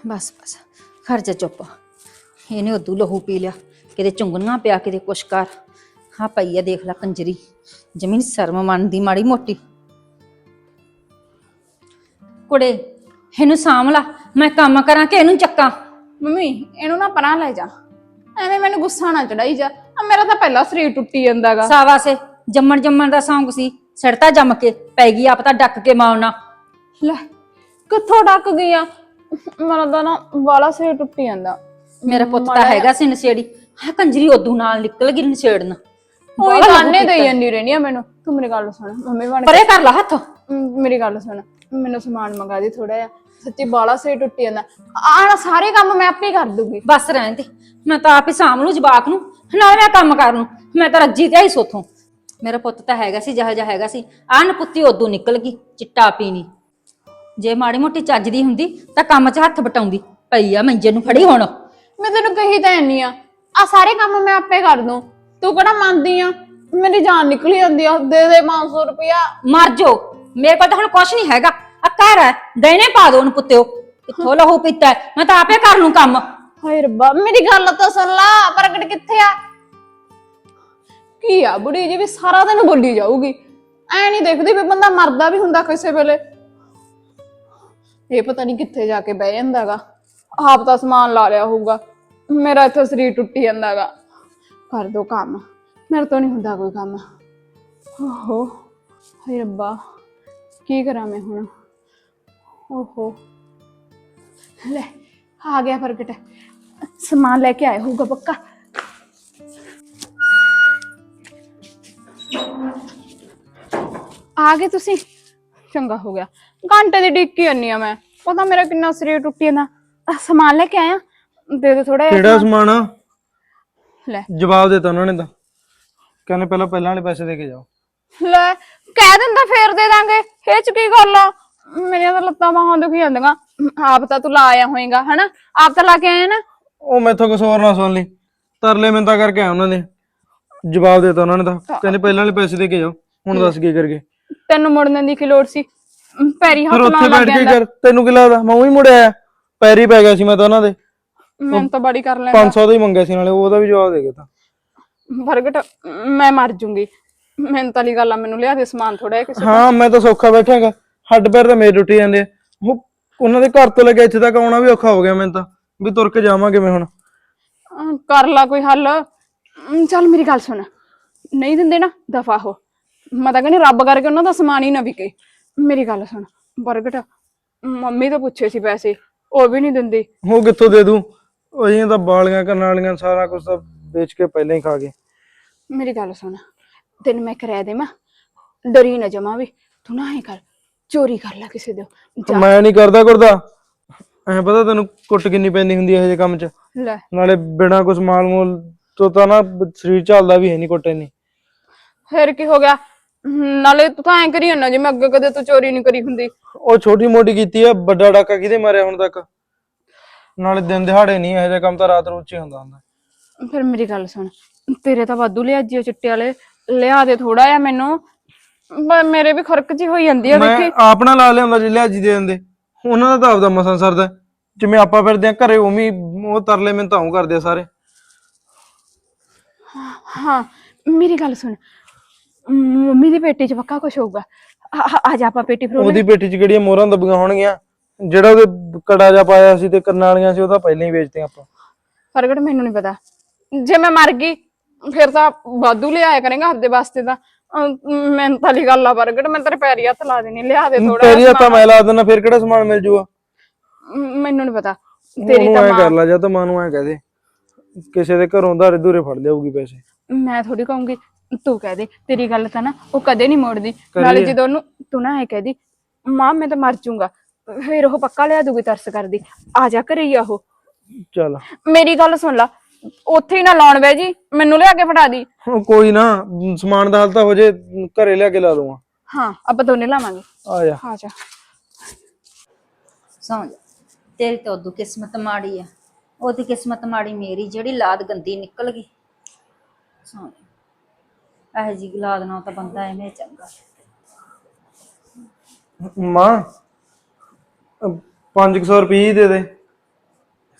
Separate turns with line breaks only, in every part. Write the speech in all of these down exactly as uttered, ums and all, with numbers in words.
बस बस खर्चा चुप इन्हें उदू लहू पी लिया कि चुंगनियां पिया कि कुछ कर हाँ पई है देख ला कंजरी जमीन शर्म मनदी माड़ी मोटी कुड़े इनू साम ला मैं काम करा कि इनू चक्का
ਮੰਮੀ ਇਹਨੂੰ ਨਾ ਪਰਾਂ ਲੈ ਜਾ ਐਵੇਂ ਮੈਨੂੰ ਗੁੱਸਾ ਨਾ ਚੜਾਈ ਜਾ ਆ ਮੇਰਾ ਤਾਂ ਪਹਿਲਾਂ ਸਰੀਰ ਟੁੱਟੀ ਜਾਂਦਾਗਾ
सावा से जम्मन जम्मन का सौंग सी सड़ता जम के पै गई आप तो डक के मारना
ਲੈ ਕਿੱਥੋਂ ਡੱਕ ਗਈਆਂ ਮੇਰਾ ਤਾਂ ਨਾ ਵਾਲਾ ਸਰੀਰ ਟੁੱਟੀ ਜਾਂਦਾ
मेरा पुत तो हैगा सी नशेड़ी हाँ कंजरी उदू नाल निकल गई नशेड़न
ਉਹੀ ਤਾਨੇ ਦੇਈ ਜਾਂਦੀ ਰਹਿੰਦੀ ਆ ਮੈਨੂੰ ਤੂੰ ਮੇਰੀ ਗੱਲ ਸੁਣ ਮੰਮੀ ਬਣ
परे कर ला हथ
ਮੇਰੀ ਗੱਲ ਸੁਣ ਮੈਨੂੰ ਸਮਾਨ ਮੰਗਾ ਦੇ ਥੋੜਾ ਜਿਹਾ ਸੱਚੀ ਬਾਲਾ ਸਰੀਰ ਟੁੱਟੀ ਜਾਂਦਾ ਆਹ ਸਾਰੇ ਕੰਮ ਮੈਂ ਆਪੇ ਕਰ ਦੂੰਗੀ
बस रहन दे मैं तो आप ही साम लू जवाक नू नाल मैं काम कर लूं मैं तो रज्जी ते ही सोथों मेरा पुत तो हैगा सी जहा जा हैगा सी आ नपुत्ती उदू निकल गई चिट्टा पीनी जे माड़ी मोटी ਚੱਜਦੀ ਹੁੰਦੀ ਤਾਂ ਕੰਮ 'ਚ ਹੱਥ ਬਟਾਉਂਦੀ ਪਈ ਆ ਮੰਜੇ ਨੂੰ ਫੜੀ ਹੁਣ
ਮੈਂ ਤੈਨੂੰ ਕਹੀ ਤਾਂ ਨਹੀਂ ਆ ਆ ਸਾਰੇ ਕੰਮ ਮੈਂ ਆਪੇ ਕਰ ਦੂੰ ਤੂੰ ਕਿਹੜਾ ਮੰਨਦੀ ਆ ਮੇਰੀ ਜਾਨ ਨਿਕਲੀ ਜਾਂਦੀ ਆ ਦੇ ਦੇ ਪੰਜ ਸੌ ਰੁਪਇਆ
ਮਰ ਜੋ ਮੇਰੇ ਕੋਲ ਤਾਂ ਹੁਣ ਕੁਛ ਨਹੀਂ ਹੈਗਾ ਆ ਘਰ ਹੈ ਦੇਣੇ ਪਾ ਦੋ ਉਹਨੂੰ ਪੁੱਤਿਓ ਕਿੱਥੋਂ ਲਹੂ ਪੀਤਾ ਮੈਂ ਤਾਂ ਆਪੇ ਕਰ ਲੂੰ ਕੰਮ
ਹਾਏ ਰੱਬਾ ਮੇਰੀ ਗੱਲ ਤਾਂ ਸੁਣ ਲਾ ਪ੍ਰਗਟ ਕਿੱਥੇ ਆ ਕੀ ਆ ਬੁੜੀ ਜੀ ਵੀ ਸਾਰਾ ਦਿਨ ਬੋਲੀ ਜਾਊਗੀ ਐ ਨਹੀਂ ਦੇਖਦੀ ਵੀ ਬੰਦਾ ਮਰਦਾ ਵੀ ਹੁੰਦਾ ਕਿਸੇ ਵੇਲੇ ਇਹ ਪਤਾ ਨਹੀਂ ਕਿੱਥੇ ਜਾ ਕੇ ਬਹਿ ਜਾਂਦਾਗਾ ਆਪ ਤਾਂ ਸਮਾਨ ਲਾ ਲਿਆ ਹੋਊਗਾ ਮੇਰਾ ਇੱਥੇ ਸਰੀਰ ਟੁੱਟੀ ਜਾਂਦਾਗਾ ਕਰ ਦੋ ਕੰਮ ਮੇਰੇ ਤੋਂ ਨਹੀਂ ਹੁੰਦਾ ਕੋਈ ਕੰਮ ਓਹੋ ਹਾਏ ਰੱਬਾ ਕੀ ਕਰਾਂ ਮੈਂ ਹੁਣ ਓਹੋ ਲੈ ਆ ਗਿਆ ਪ੍ਰਗਟ ਸਮਾਨ ਲੈ ਕੇ ਆਇਆ ਹੋਊਗਾ ਪੱਕਾ ਆ ਗਏ ਤੁਸੀਂ ਚੰਗਾ ਹੋ ਗਿਆ ਘੰਟੇ ਦੀ ਡਿੱਕੀ ਆਨੀ ਆ ਮੈਂ ਪਤਾ ਮੇਰਾ ਕਿੰਨਾ ਸਰੀਰ ਟੁੱਟੀ ਜਾਂਦਾ ਸਮਾਨ ਲੈ ਕੇ ਆਇਆ ਦੇ ਦੇ ਥੋੜਾ
ਕਿਹੜਾ ਸਮਾਨ ਆ
ਲੈ
ਜਵਾਬ ਦਿੱਤਾ ਉਹਨਾਂ ਨੇ ਤਾਂ ਕਹਿੰਦੇ ਪਹਿਲਾਂ ਪਹਿਲਾਂ ਵਾਲੇ ਪੈਸੇ ਦੇ ਕੇ ਜਾਓ
ਲੈ ਕਹਿ ਦਿੰਦਾ ਫੇਰ ਦੇ ਦਾਂਗੇ ਇਹ ਚ ਕੀ ਗੱਲ ਆ ਮੇਰੀਆਂ ਤਾਂ ਲੱਤਾਂ ਬਾਹਾਂ ਦੁਖੀ ਜਾਂਦੀਆਂ ਆਪ ਤਾਂ ਤੂੰ ਲਾ ਆਇਆ ਹੋਏਗਾ ਹਨਾ ਆਪ ਤਾਂ ਲਾ ਕੇ ਆਇਆ ਨਾ
ਉਹ ਮੈਥੋਂ ਕੁਛ ਹੋਰ ਨਾ ਸੁਣ ਲਈ ਤਰਲੇ ਮਿੰਤਾ ਕਰਕੇ ਆਇਆ ਉਹਨਾਂ ਨੇ ਜਵਾਬ ਦਿੱਤਾ ਉਹਨਾਂ ਨੇ ਤਾਂ ਕਹਿੰਦੇ ਪਹਿਲਾਂ ਵਾਲੇ ਪੈਸੇ ਦੇ ਕੇ ਜਾਓ ਹੁਣ ਦੱਸ ਕੀ ਕਰਗੇ
ਤੈਨੂੰ ਮੁੜਨ ਦੀ ਕੀ ਲੋੜ ਸੀ ਪੈਰੀ ਹੱਥ
ਫਿਰ ਉੱਥੇ
ਲਾਉਣ ਲੱਗ
ਬੈਠ ਕੇ
ਜਾਂਦਾ
ਕਰ ਤੈਨੂੰ ਕੀ ਲੱਗਦਾ ਮੈਂ ਉਹੀ ਮੁੜਿਆ ਪੈਰੀ ਪੈ ਗਿਆ ਸੀ ਮੈਂ ਤਾਂ ਉਹਨਾਂ ਦੇ
ਮੈਂ ਤਾਂ ਬੜੀ ਕਰ ਲੈਂਦਾ
ਪੰਜ ਸੌ ਦਾ ਹੀ ਮੰਗਿਆ ਸੀ ਨਾਲੇ ਉਹਦਾ ਵੀ ਜਵਾਬ ਦੇ ਗਿਆ ਤਾਂ
ਪ੍ਰਗਟ ਮੈਂ ਮਰ ਜੂੰਗੀ ਮੈਨੂੰ ਤਾਂ ਲਈ ਗੱਲ ਆ ਮੈਨੂੰ ਲਿਆ ਦੇ ਸਮਾਨ ਥੋੜਾ ਜਿਹਾ ਕਿਸੇ
ਹਾਂ ਮੈਂ ਤਾਂ ਸੌਖਾ ਬੈਠਾਂਗਾ ਹੱਡ ਪੈਰ ਤਾਂ ਮੇਰੇ ਟੁੱਟੀ ਜਾਂਦੇ ਆ ਉਹ ਉਹਨਾਂ ਦੇ ਘਰ ਤੋਂ ਲੈ ਕੇ ਇੱਥੇ ਤੱਕ ਆਉਣਾ ਵੀ ਔਖਾ ਹੋ ਗਿਆ ਮੈਨੂੰ ਤਾਂ ਵੀ ਤੁਰ ਕੇ ਜਾਵਾਂਗੇ ਮੈਂ ਹੁਣ
ਅਮ, ਕਰ ਲਾ ਕੋਈ ਹੱਲ ਅਮ, ਚੱਲ ਮੇਰੀ ਗੱਲ ਸੁਣ ਨਹੀਂ ਦਿੰਦੇ ਨਾ ਦਫਾ ਹੋ ਮੈਂ ਤਾਂ ਕਹਿੰਦੀ ਰੱਬ ਕਰਕੇ ਉਹਨਾਂ ਦਾ ਸਮਾਨ ਹੀ ਨਾ ਵਿਕੇ ਮੇਰੀ ਗੱਲ ਸੁਣ ਪ੍ਰਗਟ ਮੰਮੀ ਤੋਂ ਪੁੱਛੇ ਸੀ ਪੈਸੇ ਉਹ ਵੀ ਨਹੀਂ ਦਿੰਦੀ
ਉਹ ਕਿੱਥੋਂ ਦੇ ਦੂੰ ਉਹ ਤਾਂ ਬਾਲੀਆਂ ਕਰਨ ਵਾਲੀਆਂ ਸਾਰਾ ਕੁਝ ਤਾਂ ਵੇਚ ਕੇ ਪਹਿਲਾਂ ਹੀ ਖਾ ਗਏ
ਮੇਰੀ ਗੱਲ ਸੁਣ ਤੈਨੂੰ ਮੈਂ ਕਰਿਆ ਦੇਵਾਂ ਡਰੀ ਨਾ ਜਮਾ ਵੀ ਤੂੰ ਨਾ ਐ ਕਰ ਚੋਰੀ ਕਰ ਲੈ ਕਿਸੇ ਦੇ
ਮੈਂ ਨਹੀਂ ਕਰਦਾ ਕਰਦਾ ਐ ਪਤਾ ਤੈਨੂੰ ਕੁੱਟ ਕਿੰਨੀ ਪੈਂਦੀ ਹੁੰਦੀ ਇਹੋ ਜਿਹੇ ਕੰਮ 'ਚ
ਲੈ
ਨਾਲੇ ਬਿਨਾਂ ਕੁਝ ਮਾਲ ਮੂਲ ਤੋਂ ਤਾਂ ਨਾ ਸਰੀਰ ਚੱਲਦਾ ਵੀ ਹੈ ਨਹੀਂ ਕੁੱਟੇ ਨਹੀਂ
ਫਿਰ ਕੀ ਹੋ ਗਿਆ ਨਾਲੇ ਤੂੰ ਤਾਂ ਐ ਕਰੀ ਜਾਂਦਾ ਜਿਵੇਂ ਅੱਗੇ ਕਦੇ ਤੂੰ ਚੋਰੀ ਨਹੀਂ ਕਰੀ ਹੁੰਦੀ
ਉਹ ਛੋਟੀ ਮੋਟੀ ਕੀਤੀ ਆ ਵੱਡਾ ਡਾਕਾ ਕਿਹਦੇ ਮਾਰਿਆ ਹੁਣ ਤੱਕ ਨਾਲੇ ਦਿਨ ਦਿਹਾੜੇ ਨਹੀਂ ਇਹੋ ਜਿਹਾ ਕੰਮ ਤਾਂ ਰਾਤ ਰੋਜ਼ ਹੀ ਹੁੰਦਾ ਹੁੰਦਾ
ਫਿਰ ਮੇਰੀ ਗੱਲ ਸੁਣ ਤੇਰੇ ਤਾਂ ਵਾਧੂ ਲਿਆ ਜੀ ਚਿੱਟੇ ਵਾਲੇ ਲਿਆ ਦੇ ਥੋੜਾ ਜਿਹਾ ਮੈਨੂੰ ਮੇਰੇ ਵੀ ਖੁਰਕ ਜੀ ਹੋਈ ਜਾਂਦੀ ਆ
ਮੈਂ
ਦੇਖੀ
ਆਪਣਾ ਲਾ ਲਿਆਉਂਦਾ ਜੇ ਲਿਆਜੀ ਦੇ ਦਿੰਦੇ ਉਹਨਾਂ ਦਾ ਤਾਂ ਆਪਦਾ ਮਸਾਂ ਸਰਦਾ ਜਿਵੇਂ ਆਪਾਂ ਫਿਰਦੇ ਆ ਘਰੇ ਉਵੇਂ ਉਹ ਤਰਲੇ ਮੈਨੂੰ ਤਾਂ ਉਹ ਕਰਦੇ ਆ ਸਾਰੇ
ਹਾਂ ਮੇਰੀ ਗੱਲ ਸੁਣ ਮੰਮੀ ਦੀ ਪੇਟੀ 'ਚ ਪੱਕਾ ਕੁਛ ਹੋਊਗਾ ਆ ਜਾ ਆਪਾਂ ਪੇਟੀ ਫਰੋਲ
ਉਹਦੀ ਪੇਟੀ 'ਚ ਕਿਹੜੀਆਂ ਮੋਹਰਾਂ ਦੱਬੀਆਂ ਹੋਣਗੀਆਂ ਜਿਹੜਾ ਉਹਦੇ ਕੜਾ ਜਾ ਪਾਇਆ ਸੀ ਤੇ ਕੰਨਾਂ ਵਾਲੀਆਂ ਸੀ ਉਹ ਤਾਂ ਪਹਿਲਾਂ ਹੀ ਵੇਚਦੇ ਆਪਾਂ
ਪ੍ਰਗਟ ਮੈਨੂੰ ਨਹੀਂ ਪਤਾ ਜੇ ਮੈਂ ਮਰ ਗਈ ਫਿਰ ਤਾਂ ਵਾਧੂ ਲਿਆਇਆ ਕਰੇਗਾ ਆਪਦੇ ਵਾਸਤੇ ਤਾਂ ਮੈਂ ਤਾਂ ਲਈ ਗੱਲ ਆ ਪ੍ਰਗਟ ਮੈਂ ਤੇਰੇ ਪੈਰੀ ਹੱਥ ਲਾ ਦੇਣੀ ਲਿਆ ਦੇ ਥੋੜਾ
ਤੇਰੀ ਹੱਥਾਂ ਮੈਂ ਲਾ ਦਿੰਦਾ ਫਿਰ ਕਿਹੜਾ ਸਮਾਨ ਮਿਲ ਜੂਗਾ
ਮੈਨੂੰ ਨਹੀਂ ਪਤਾ ਤੇਰੀ ਤਾਂ
ਮਾਂ ਕਰ ਲਾ ਜਾਂ ਤਾਂ ਮਾਂ ਨੂੰ ਐ ਕਹਿ ਦੇ ਕਿਸੇ ਦੇ ਘਰੋਂ ਧਾਰੇ ਧੂਰੇ ਫੜ ਲਿਆਊਗੀ ਪੈਸੇ
ਮੈਂ ਥੋੜੀ ਕਹੂੰਗੀ ਤੂੰ ਕਹਿ ਦੇ ਤੇਰੀ ਗੱਲ ਤਾਂ ਨਾ ਉਹ ਕਦੇ ਨਹੀਂ ਮੋੜਦੀ ਨਾਲੇ ਜਦੋਂ ਉਹਨੂੰ ਤੂੰ ਨਾ ਐ ਕਹਿਦੀ ਮਾਂ ਮੈਂ ਤਾਂ ਮਰ ਜਾਊਂਗਾ ਫਿਰ ਉਹ ਪੱਕਾ ਲਿਆ ਦੂਗੀ ਤਰਸ ਕਰਦੀ ਆ ਜਾ ਘਰੇ ਹੀ ਆ ਉਹ
ਚੱਲ
ਮੇਰੀ ਗੱਲ ਸੁਣ ਲਾ ਉੱਥੇ ਹੀ ਨਾ ਲਾਉਣ ਬੈ ਜੀ ਮੈਨੂੰ ਲਿਆ ਕੇ ਫੜਾ ਦੀ
ਕੋਈ ਨਾ ਸਮਾਨ ਦਾ ਹੱਲ ਤਾਂ ਹੋ ਜੇ ਘਰੇ ਲਿਆ ਕੇ ਲਾ ਦੂੰਗਾ
ਹਾਂ ਆਪਾਂ ਦੋਨੇ ਲਾਵਾਂਗੇ
ਆ ਜਾ
ਆ ਜਾ
ਸਮਝ तेरी तो उदू किस्मत माड़ी है ओदी किस्मत माड़ी मेरी जेड़ी लाद गंदी निकल गई समझ एह जी लाद ना तो बंदा एवें चंगा
मां पांच सौ रुपये ही दे दे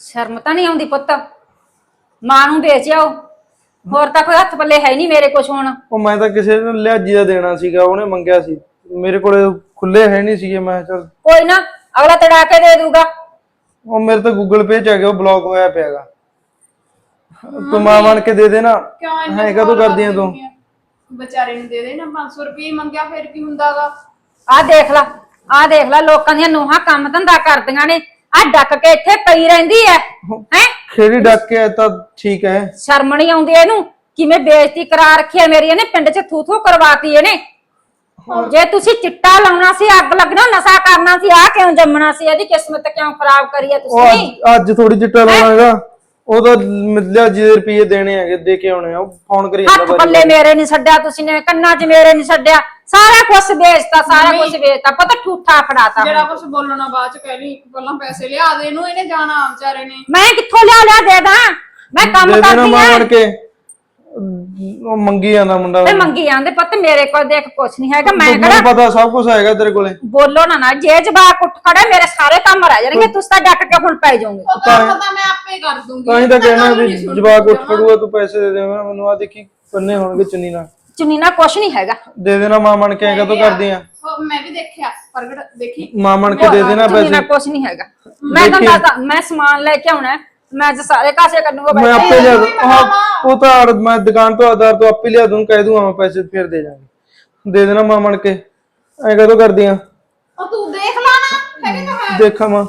ਸ਼ਰਮ ਤਾਂ ਨਹੀਂ ਆਉਂਦੀ ਪੁੱਤ। ਮਾਂ ਨੂੰ ਵੇਚ ਆਓ, ਹੋਰ ਤਾਂ ਕੋਈ ਹੱਥ ਪੱਲੇ ਹੈ ਨਹੀਂ ਮੇਰੇ ਕੁਛ ਹੁਣ।
ਉਹ ਮੈਂ ਤਾਂ ਕਿਸੇ ਨੂੰ ਲਿਆਜੀ ਦਾ ਦੇਣਾ ਸੀਗਾ, ਉਹਨੇ ਮੰਗਿਆ ਸੀ, ਮੇਰੇ ਕੋਲੇ ਖੁੱਲੇ ਹੈ ਨਹੀਂ ਸੀਗੇ। ਮੈਂ ਚਲ
ਕੋਈ ਨਾ, ਅਗਲਾ ਤੜਾ ਕੇ ਦੇ ਦੂਗਾ।
ਉਹ ਮੇਰੇ ਤਾਂ ਗੂਗਲ ਪੇ ਚ ਆ ਗਿਆ, ਉਹ ਬਲੌਕ ਹੋਇਆ ਪਿਆਗਾ। ਤੂੰ ਮਾਂ ਬਣ ਕੇ ਦੇ ਦੇ ਨਾ।
ਕਿਉਂ ਇੰਨਾ
ਹੈ ਕਦੋਂ ਕਰਦੀ ਆ ਤੂੰ?
ਵਿਚਾਰੇ ਨੂੰ ਦੇ ਦੇ ਨਾ ਪੰਜ ਸੌ ਰੁਪਏ ਮੰਗਿਆ, ਫਿਰ ਕੀ ਹੁੰਦਾਗਾ।
ਆਹ ਦੇਖ ਲਾ, ਆਹ ਦੇਖ ਲਾ, ਲੋਕਾਂ ਦੀਆਂ ਨੂੰਹਾਂ ਕੰਮ ਧੰਦਾ ਕਰਦੀਆਂ ਨੇ, ਆਹ ਡੱਕ ਕੇ ਇੱਥੇ ਪਈ ਰਹਿੰਦੀ ਐ ਹੈ।
ਖੇੜੀ ਡੱਕ ਕੇ ਤਾਂ ਠੀਕ ਹੈ।
ਸ਼ਰਮ ਨਹੀਂ ਆਉਂਦੀ ਇਹਨੂੰ? ਕਿਵੇਂ ਬੇਇੱਜ਼ਤੀ ਕਰਾ ਰੱਖੀ ਐ ਮੇਰੀ ਇਹਨੇ, ਪਿੰਡ 'ਚ ਥੂ ਥੂ ਕਰਵਾਤੀ ਇਹਨੇ। ਜੇ ਤੁਸੀਂ ਚਿੱਟਾ ਲਾਉਣਾ ਸੀ, ਅੱਗ ਲੱਗਣਾ, ਨਸ਼ਾ ਕਰਨਾ ਸੀ, ਆਹ ਕਿਉਂ ਜੰਮਣਾ ਸੀ? ਇਹਦੀ ਕਿਸਮਤ ਕਿਉਂ ਖਰਾਬ ਕਰੀ ਐ
ਉਹ
ਤੁਸੀਂ?
ਅੱਜ- ਅੱਜ ਥੋੜੀ ਚਿੱਟਾ ਲਾਉਣਾ ਹੈਗਾ, ਉਹ ਤਾਂ ਲਿਆਜੀ ਦੇ ਰੁਪਏ ਦੇਣੇ ਹੈਗੇ, ਦੇ ਕੇ ਆਉਣੇ ਆ। ਉਹ ਫੋਨ ਕਰੀ ਜਾਂਦਾ
ਹੱਥ
ਬਾਰੀ
ਪੱਲੇ ਮੇਰੇ ਨਹੀਂ ਛੱਡਿਆ ਤੁਸੀਂ ਨੇ, ਕੰਨਾਂ 'ਚ ਮੇਰੇ ਨਹੀਂ ਛੱਡਿਆ, ਸਾਰਾ ਕੁਝ ਵੇਚਤਾ, ਸਾਰਾ ਕੁਝ ਵੇਚਤਾ। ਪਤਾ ਠੂਠਾ ਫੜਾਤਾ।
ਜਿਹੜਾ ਕੁਝ ਬੋਲਣਾ ਬਾਅਦ ਚ ਕਹਿ ਲਈ, ਪਹਿਲਾਂ ਪੈਸੇ ਲਿਆ ਦੇ ਇਹਨੂੰ, ਇਹਨੇ ਜਾਣਾ ਵਿਚਾਰੇ ਨੇ।
ਮੈਂ ਕਿੱਥੋਂ ਲਿਆ ਲਿਆ ਦੇ ਦਾਂ? ਮੈਂ ਕੰਮ
ਦੇ ਦੇਣਾ
ਕਰਦੀ
ਮਾਂ
ਆਂ।
ਬਣ ਕੇ। ਉਹ ਮੰਗੀ ਜਾਂਦਾ ਮੁੰਡਾ।
ਤੇ ਮੰਗੀ ਜਾਂਦੇ ਪੁੱਤ, ਮੇਰੇ ਕੋਲ ਦੇਖ ਕੁਛ ਨਹੀਂ ਹੈਗਾ। ਮੈਂ
ਮੈਨੂੰ
ਕਿਹੜਾ
ਪਤਾ ਸਭ ਕੁਝ ਹੈਗਾ ਤੇਰੇ ਕੋਲੇ।
ਬੋਲੋ ਨਾ ਨਾ, ਜੇ ਜਵਾਕ ਉੱਠ ਖੜੇ ਮੇਰੇ ਸਾਰੇ ਕੰਮ ਰਹਿ ਜਾਣਗੇ, ਤੁਸੀਂ ਤਾਂ ਡੱਕ ਕੇ ਹੁਣ ਪੈ ਜਾਓਗੇ।
ਉਹ ਤਾਂ ਪਤਾ ਮੈਂ ਆਪੇ ਕਰ ਦੂੰਗੀ।
ਤਾਂ ਹੀ ਤਾਂ ਕਹਿਣਾ
ਗੱਲ
ਵੀ
ਨਹੀਂ ਸੁਣਦੀ
ਜਵਾਕ ਉੱਠ
ਜਮਾਂ।
ਖੜੂਗਾ, ਤੂੰ ਪੈਸੇ ਦੇ ਦੇਣਾ ਮੈਨੂੰ। ਆ ਦੇਖੀ ਪੰਨੇ ਹੋਣਗੇ ਚੁੰਨੀ ਨਾਲ।
ਚੁੰਨੀ ਨਾ ਕੁਛ ਨਹੀਂ ਹੈਗਾ।
ਦੇ ਦੇਣਾ ਮਾਂ ਬਣ ਕੇ। ਕਦੋਂ ਕਰਦੀ ਆ?
ਉਹ ਮੈਂ ਵੀ ਦੇਖਿਆ, ਪ੍ਰਗਟ ਦੇਖੀ।
ਮਾਂ ਬਣ ਕੇ ਦੇ ਦੇਣਾ
ਚੁੰਨੀ ਨਾ
ਪੈਸੇ।
ਕੁਛ ਨਹੀਂ ਹੈਗਾ। ਮੈਂ ਤਾਂ
ਦੇਖੀ।
ਦੱਸਦਾ, ਮੈਂ ਸਮਾਨ ਲੈ ਕੇ ਆਉਣਾ, ਮੈਂ ਤਾਂ ਸਾਰੇ ਕਾਸੇ ਕਰਨੂਗਾ।
ਮੈਂ ਆਪੇ ਲਿਆ ਦੂੰ। ਹਾਂ ਉਹ ਤਾਂ ਆੜ- ਮੈਂ ਦੁਕਾਨ ਤੋਂ ਆਧਾਰ ਤੋਂ ਆਪੇ ਲਿਆ ਦੂੰ, ਕਹਿ ਦੂੰਗਾ ਮੈਂ ਪੈਸੇ ਫਿਰ ਦੇ ਜਾਵਾਂਗੇ। ਦੇ ਦੇਣਾ ਮਾਂ ਬਣ ਕੇ। ਐ ਕਦੋਂ ਕਰਦੀ ਆ?
ਉਹ ਤੂੰ ਦੇਖ ਲਾ ਨਾ, ਹੈਗੇ ਤਾਂ ਹੈ।
ਦੇਖਾਂ ਮਾਂ।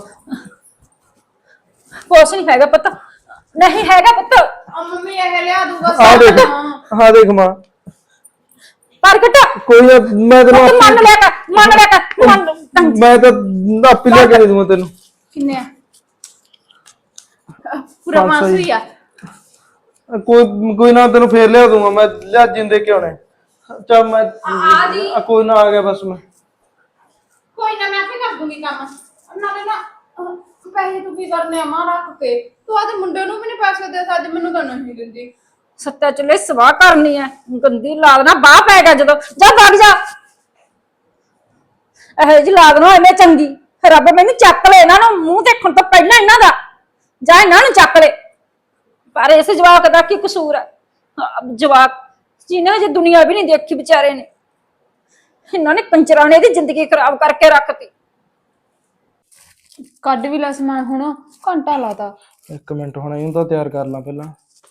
ਕੁਛ ਨਹੀਂ ਹੈਗਾ ਪੁੱਤ, ਨਹੀਂ ਹੈਗਾ ਪੁੱਤ।
ਆ ਮੰਮੀ ਇਹ ਲਿਆ ਦੂਗਾ
ਆ
ਸਾਰਾ
ਦੇਖ,
ਸਮਾਨ।
ਹਾਂ ਦੇਖ ਮਾਂ।
ਪ੍ਰਗਟ
ਕੋਈ ਨਾ, ਮੈਂ ਤੈਨੂੰ
ਪੁੱਤ ਮੰਨ
ਆਪੇ-
ਲਿਆ ਕਰ, ਮੰਨ ਲਿਆ ਕਰ, ਮੰਨ।
ਮੈਂ ਤਾਂ ਆਪੇ ਲਿਆ ਕੇ ਦੇ ਦੂੰਗਾ ਤੈਨੂੰ।
ਕਿੰਨੇ ਆ? ਪੂਰਾ
ਪੰਜ ਸੌ
ਪੰਜ ਸੌ ਹੀ ਆ।
ਕੋਈ ਕੋਈ ਨਾ, ਤੈਨੂੰ ਫੇਰ ਲਿਆ ਦੂੰਗਾ ਮੈਂ। ਲਿਆ ਜਿੰਦੇ ਕਿਉਂ ਨੇ। ਚੱਲ ਮੈਂ
ਆ ਜੀ।
ਆ ਕੋਈ ਨਾ, ਆ ਗਿਆ ਬਸ ਮੈਂ।
ਕੋਈ ਨਾ, ਮੈਂ ਆਪੇ ਕਰ ਦੂੰਗੀ ਕੰਮ। ਨਾਲੇ ਨਾ ਅਹ, ਪੈਸੇ ਤੂੰ ਕੀ ਕਰਨੇ ਆ ਮਾਂ ਰੱਖ ਕੇ? ਤੂੰ ਆਦੇ ਮੁੰਡੇ ਨੂੰ ਵੀ ਨਹੀਂ ਪੈਸੇ ਦੇ ਸਕਦੀ, ਮੈਨੂੰ ਤਾਂ ਨਹੀਂ ਦਿੰਦੀ।
ਸੱਤਾ ਚਲੇ ਸਵਾਹ ਕਰਨੀ ਐ, ਗੰਦੀ ਲਾਗ ਨਾ ਬਾਹ ਪੈ ਗਿਆ ਜਦੋਂ। ਜਾ ਵਗ ਜਾ, ਇਹੋ ਜਿਹੀ ਲਾਗ ਨਾ ਐਵੇਂ ਚੰਗੀ। ਰੱਬ ਮੈਨੂੰ ਚੱਕ ਲੈ ਇਹਨਾਂ ਨੂੰ, ਮੂੰਹ ਦੇਖਣ ਤੋਂ ਪਹਿਲਾਂ ਇਹਨਾਂ ਦਾ। ਜਾ ਇਹਨਾਂ ਨੂੰ ਚੱਕ ਲੈ। ਪਰ ਇਸ ਜਵਾਕ ਦਾ ਕੀ ਕਸੂਰ ਹੈ? ਹਾਂ, ਜਵਾਕ ਜਿਹਨੇ ਜੇ ਦੁਨੀਆ ਵੀ ਨਹੀਂ ਦੇਖੀ ਵਿਚਾਰੇ ਨੇ, ਇਹਨਾਂ ਨੇ ਕੰਜਰਾਂ ਨੇ ਇਹਦੀ ਜ਼ਿੰਦਗੀ ਖਰਾਬ ਕਰਕੇ ਰੱਖਤੀ।
ਕੱਢ ਵੀ ਲੈ ਸਮਾਨ, ਹੁਣ ਘੰਟਾ ਲਾਤਾ।
ਇੱਕ ਮਿੰਟ, ਹੁਣ ਇਹਨੂੰ ਤਾਂ ਤਿਆਰ ਕਰ ਲਾਂ ਪਹਿਲਾਂ।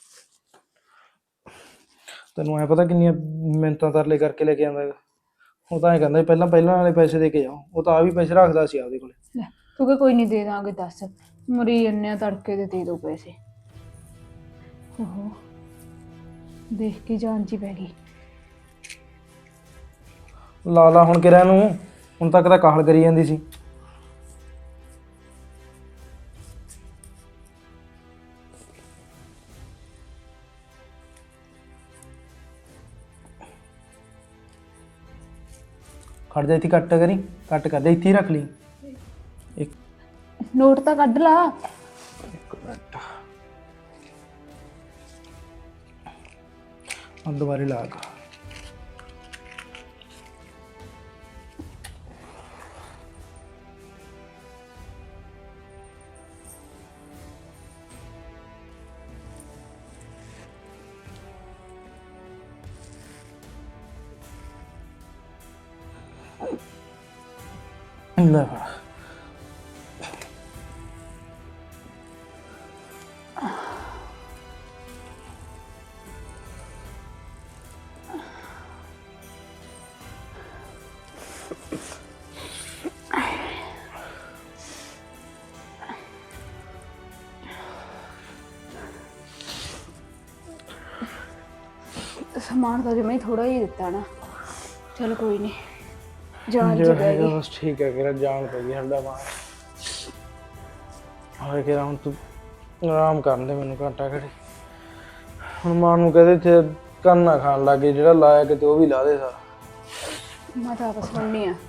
ਤੈਨੂੰ ਐ ਪਤਾ ਕਿੰਨੀਆਂ ਮਿੰਨਤਾਂ ਤਰਲੇ ਕਰਕੇ ਲੈ ਕੇ ਆਂਦਾ ਹੈਗਾ। ਉਹ ਤਾਂ ਐ ਕਹਿੰਦਾ ਪਹਿਲਾਂ ਪਹਿਲਾਂ ਵਾਲੇ ਪੈਸੇ ਦੇ ਕੇ ਜਾਓ। ਉਹ ਤਾਂ ਆ ਵੀ ਪੈਸੇ ਰੱਖਦਾ ਸੀ ਆਪਦੇ ਕੋਲੇ।
ਲੈ ਤੂੰ ਕਿ ਕੋਈ ਨਹੀਂ ਦੇ ਦਾਂਗੇ, ਦੱਸ ਮਰੀ ਜੰਨੇ ਤੜਕੇ ਦੇ ਦੇ ਦੋ ਪੈਸੇ। ਓਹੋ ਦੇਖ ਕੇ ਜਾਨ ਜੀ ਪੈ ਗਈ।
ਲਾ ਲਾ ਹੁਣ ਕਿਰਿਆ ਨੂੰ, ਹੁਣ ਤੱਕ ਤਾਂ ਕਾਹਲ ਕਰੀ ਜਾਂਦੀ ਸੀ। ਖੜ ਜਾ, ਇੱਥੇ ਕੱਟ ਕਰੀ, ਕੱਟ ਕਰ ਦੇ, ਇੱਥੇ ਹੀ ਰੱਖ ਲਈ। ਇੱਕ
ਨੋਟ ਤਾਂ ਕੱਢ ਲਾ।
ਇੱਕ ਮਿੰਟ, ਹੁਣ ਦੁਬਾਰੇ ਲਾ ਗਾ। ਲੈ ਫੜ।
ਸਮਾਨ ਤਾਂ ਜਿਵੇਂ ਥੋੜਾ ਹੀ ਦਿੱਤਾ ਨਾ, ਚਲ ਕੋਈ ਨਹੀਂ। ਜਾਨ ਜੀ
ਜੋ
ਪੈ
ਹੈਗਾ
ਗਈ।
ਬਸ ਠੀਕ ਹੈ, ਕਿਰਾ ਜਾਨ ਪੈ ਗਈ ਸਾਡਾ ਬਾਹਰ। ਹੋਏ ਕਿਰਾ ਹੁਣ ਤੂੰ ਆਰਾਮ ਕਰਨ ਦੇ ਮੈਨੂੰ ਘੰਟਾ ਘੜੀ। ਹੁਣ ਮਾਂ ਨੂੰ ਕਹਦੇ ਇੱਥੇ ਕੰਨ ਨਾ ਖਾਣ ਲੱਗੇ, ਜਿਹੜਾ ਲਾਇਆ ਕਿਤੇ ਉਹ ਵੀ ਲਾ ਦੇ ਸਾਰਾ।
ਮੈਂ ਤਾਂ ਆਪਸ ਸੁਣਨੀ ਆ।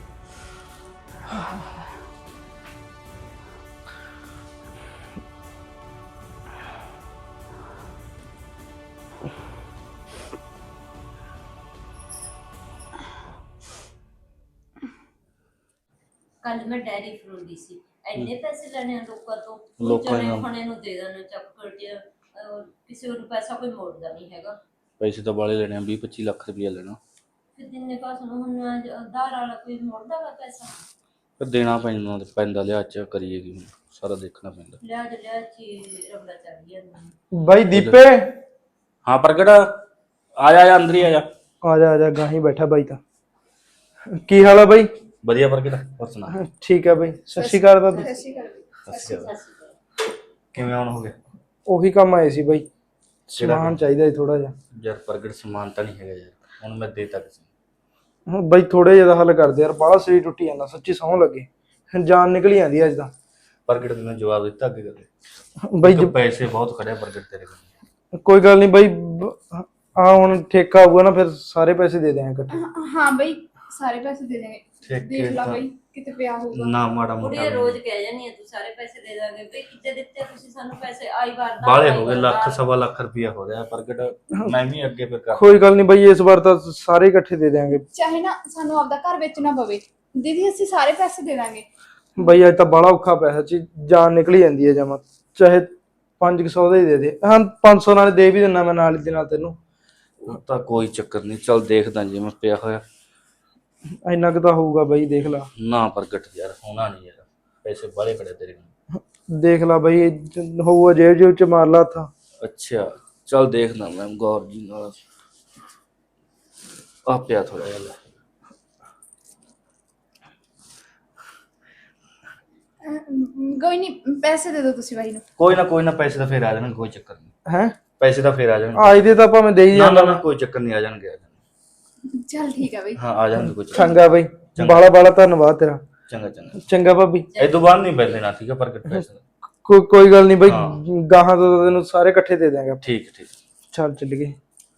ਕੱਲ ਮੈਂ ਡੈਰੀ ਫਰੋਲਦੀ ਸੀ, ਇੰਨੇ ਪੈਸੇ ਲੈਣੇ ਆ ਲੋਕਾਂ ਤੋਂ,
ਲੋਕਾਂ
ਚਣੇ
ਨਾਲ
ਖਾਣੇ ਨੂੰ ਦੇ ਦੇਣੇ ਚੱਕ ਕਰਕੇ, ਅਹ, ਕਿਸੇ ਨੂੰ ਪੈਸਾ ਕੋਈ ਮੋੜਦਾ ਨਹੀਂ ਹੈਗਾ।
ਪੈਸੇ ਤਾਂ ਵਾਲੇ ਲੈਣੇ ਆ, ਵੀਹ ਪੱਚੀ ਲੱਖ ਰੁਪਇਆ ਲੈਣਾ।
ਫਿਰ ਦਿਨੇ ਕਾਸ ਨੂੰ ਹੁਣ ਆਧਾਰ ਵਾਲਾ ਕੋਈ ਮੋੜਦਾ ਵਾ ਪੈਸਾ?
ਫਿਰ ਦੇਣਾ ਪੈਂਦਾ ਪੈਂਦਾ ਲਿਆ ਚ ਕਰੀਏ ਕੀ ਹੁਣ, ਸਾਰਾ ਦੇਖਣਾ ਪੈਂਦਾ।
ਲਿਆ ਜ ਲਿਆ ਚੀ ਰਗੜਾ ਚੜ ਗਿਆ ਮੈਨੂੰ।
ਬਾਈ ਦੀਪੇ
ਹਾਂ ਪ੍ਰਗਟ, ਆ ਜਾ ਆ ਜਾ ਅੰਦਰ ਹੀ ਆ ਜਾ।
ਆ ਜਾ ਆ ਜਾ, ਗਾਹੀਂ ਬੈਠਾ ਬਾਈ ਤਾਂ। ਕੀ ਹਾਲ ਆ ਬਾਈ?
ਵਧੀਆ ਪ੍ਰਗਟ, ਹੋਰ ਸੁਣਾ?
ਠੀਕ ਆ ਬਾਈ, ਸਤਿ ਸ਼੍ਰੀ ਅਕਾਲ ਬਾਬੀ।
ਸਤਿ ਸ਼੍ਰੀ ਅਕਾਲ।
ਸਤਿ ਸ਼੍ਰੀ ਅਕਾਲ। ਕਿਵੇਂ ਆਉਣ ਹੋ ਗਿਆ?
ਉਹੀ ਕੰਮ ਆਏ ਸੀ ਬਾਈ, ਸਮਾਨ ਚਾਹੀਦਾ ਸੀ ਥੋੜਾ ਜਿਹਾ।
ਯਾਰ ਪ੍ਰਗਟ ਸਮਾਨ ਤਾਂ ਨਹੀਂ ਹੈਗਾ ਯਾਰ, ਹੁਣ ਮੈਂ ਦੇ ਤੱਕ
ਹੁਣ ਬਾਈ ਥੋੜੇ ਜਿਹਾ ਦਾ ਹੱਲ ਕਰਦੇ ਯਾਰ, ਬਾਹਲਾ ਸਰੀਰ ਟੁੱਟੀ ਜਾਂਦਾ, ਸੱਚੀ ਸਹੁੰ ਲੱਗੇ, ਜਾਨ ਨਿਕਲੀ ਜਾਂਦੀ ਅੱਜ ਤਾਂ।
ਪ੍ਰਗਟ ਨੇ ਜਵਾਬ ਦਿੱਤਾ ਅੱਗੇ ਕਰਦੇ
ਬਾਈ
ਬਾਈ ਪੈਸੇ ਬਹੁਤ ਖੜਿਆ ਪ੍ਰਗਟ ਤੇਰੇ ਕੋਲ।
ਕੋਈ ਗੱਲ ਨਹੀਂ ਬਾਈ, ਆ ਹੁਣ ਠੇਕਾ ਆਊਗਾ ਨਾ ਫਿਰ ਸਾਰੇ ਪੈਸੇ ਦੇ ਦਿਆਂਗੇ ਇਕੱਠੇ।
ਹਾਂ ਬਈ, ਸਾਰੇ ਪੈਸੇ ਦੇ ਦੇਣਗੇ।
ਠੇਕੇ
ਦੇਖ ਲਾ
ਤਾਂ-
ਬਈ ਕਿਤੇ ਪਿਆ ਹੋਊਗਾ।
ਨਾ ਮਾੜਾ
ਕੁੜੀ
ਮੋਟਾ
ਰੋਜ਼ ਕਹਿ ਜਾਨੀ ਆ ਤੂੰ ਸਾਰੇ ਪੈਸੇ ਦੇ ਦਾਂਗੇ, ਬਈ ਕਿੱਥੇ ਦਿੱਤੇ ਤੁਸੀਂ ਸਾਨੂੰ ਪੈਸੇ? ਆਈ ਵਾਰ ਦਾ
ਬਾਲੇ ਹੋ ਗਏ, ਲੱਖ ਸਵਾ ਲੱਖ ਰੁਪਇਆ ਹੋ ਰਿਹਾ ਪ੍ਰਗਟ, ਮੈਂ ਵੀ ਅੱਗੇ ਫਿਰ ਕਰ।
ਕੋਈ ਗੱਲ ਨਹੀਂ ਬਾਈ, ਇਸ ਵਾਰ ਤਾਂ ਸਾਰੇ ਇਕੱਠੇ ਦੇ ਦਿਆਂਗੇ।
ਚਾਹੇ ਨਾ ਸਾਨੂੰ ਆਪਦਾ ਘਰ ਵੇਚਣਾ ਪਵੇ ਦੀਦੀ, ਅਸੀਂ ਸਾਰੇ ਪੈਸੇ ਦੇ ਦਾਂਗੇ।
ਬਾਈ ਅੱਜ ਤਾਂ ਬੜਾ ਔਖਾ ਪਿਆ ਸੱਚੀ, ਜਾਨ ਨਿਕਲੀ ਜਾਂਦੀ ਹੈ ਜਮਾ। ਚਾਹੇ ਪੰਜ ਸੌ ਦਾ ਹੀ ਦੇ ਦੇ, ਹਾਂ ਪੰਜ ਸੌ ਨਾਲ ਦੇ ਵੀ ਦਿੰਦਾ ਮੈਂ ਨਾਲ ਦੇ ਨਾਲ ਤੈਨੂੰ।
ਉਹ ਤਾਂ ਕੋਈ ਚੱਕਰ ਨਹੀਂ, ਚੱਲ ਦੇਖਦਾ ਜਿਵੇਂ ਪਿਆ ਹੋਇਆ।
ਇੰਨਾ ਕੁ ਤਾਂ ਹੋਊਗਾ ਬਾਈ, ਦੇਖ ਲਾ।
ਨਾ ਪ੍ਰਗਟ ਯਾਰ ਹੋਣਾ ਨਹੀਂ ਯਾਰ, ਪੈਸੇ ਬਾਲੇ ਖੜੇ ਤੇਰੇ ਕੋਲ।
ਦੇਖ ਲਾ ਬਾਈ, ਹੋਊਗਾ ਜੇਬ ਜੇਬ ਚ ਮਾਰ ਲਾ ਹੱਥਾਂ।
ਅੱਛਾ ਚੱਲ ਦੇਖਦਾ ਮੈਂ ਗੌਰ ਜੀ ਨਾਲ। ਆ ਪਿਆ ਥੋੜਾ ਜਿਹਾ ਲੈ।
ਅਮ, ਕੋਈ ਨਹੀਂ, ਪੈਸੇ ਦੇ ਦਿਓ ਤੁਸੀਂ ਬਾਈ ਨੂੰ।
ਕੋਈ ਨਾ ਕੋਈ ਨਾ, ਪੈਸੇ ਤਾਂ ਫੇਰ ਆ ਜਾਣਗੇ, ਕੋਈ ਚੱਕਰ ਨਹੀਂ।
ਹੈ
ਪੈਸੇ ਤਾਂ ਫੇਰ ਆ ਜਾਣਗੇ।
ਅੱਜ ਦੇ ਤਾਂ ਭਾਵੇਂ ਦੇ ਹੀ
ਨਾ ਨਾ
ਜਾਂਦਾ।
ਨਾ ਕੋਈ ਚੱਕਰ ਨਹੀਂ, ਆ ਜਾਣਗੇ ਆ ਜਾਣਗੇ।
ਚੱਲ ਠੀਕ ਆ ਬਈ।
ਹਾਂ ਆ ਜਾਣਗੇ, ਕੋਈ ਚੱਕਰ
ਚੰਗਾ ਬਾਈ, ਬਾਲਾ ਬਾਲਾ ਧੰਨਵਾਦ ਤੇਰਾ।
ਚੰਗਾ ਚੰਗਾ।
ਚੰਗਾ ਭਾਬੀ,
ਇਹ ਤੋਂ ਬਾਅਦ ਨਹੀਂ ਪੈਸੇ ਨਾ, ਠੀਕ ਹੈ ਪ੍ਰਗਟ ਪੈਸੇ?
ਕੋਈ ਕੋਈ ਗੱਲ ਨਹੀਂ ਬਾਈ,
ਹਾਂ।
ਗਾਹਾਂ ਤੋਂ ਤਾਂ ਤੈਨੂੰ ਸਾਰੇ ਇਕੱਠੇ ਦੇ ਦਿਆਂਗੇ।
ਠੀਕ ਠੀਕ।
ਚੱਲ ਚੱਲ ਗਏ।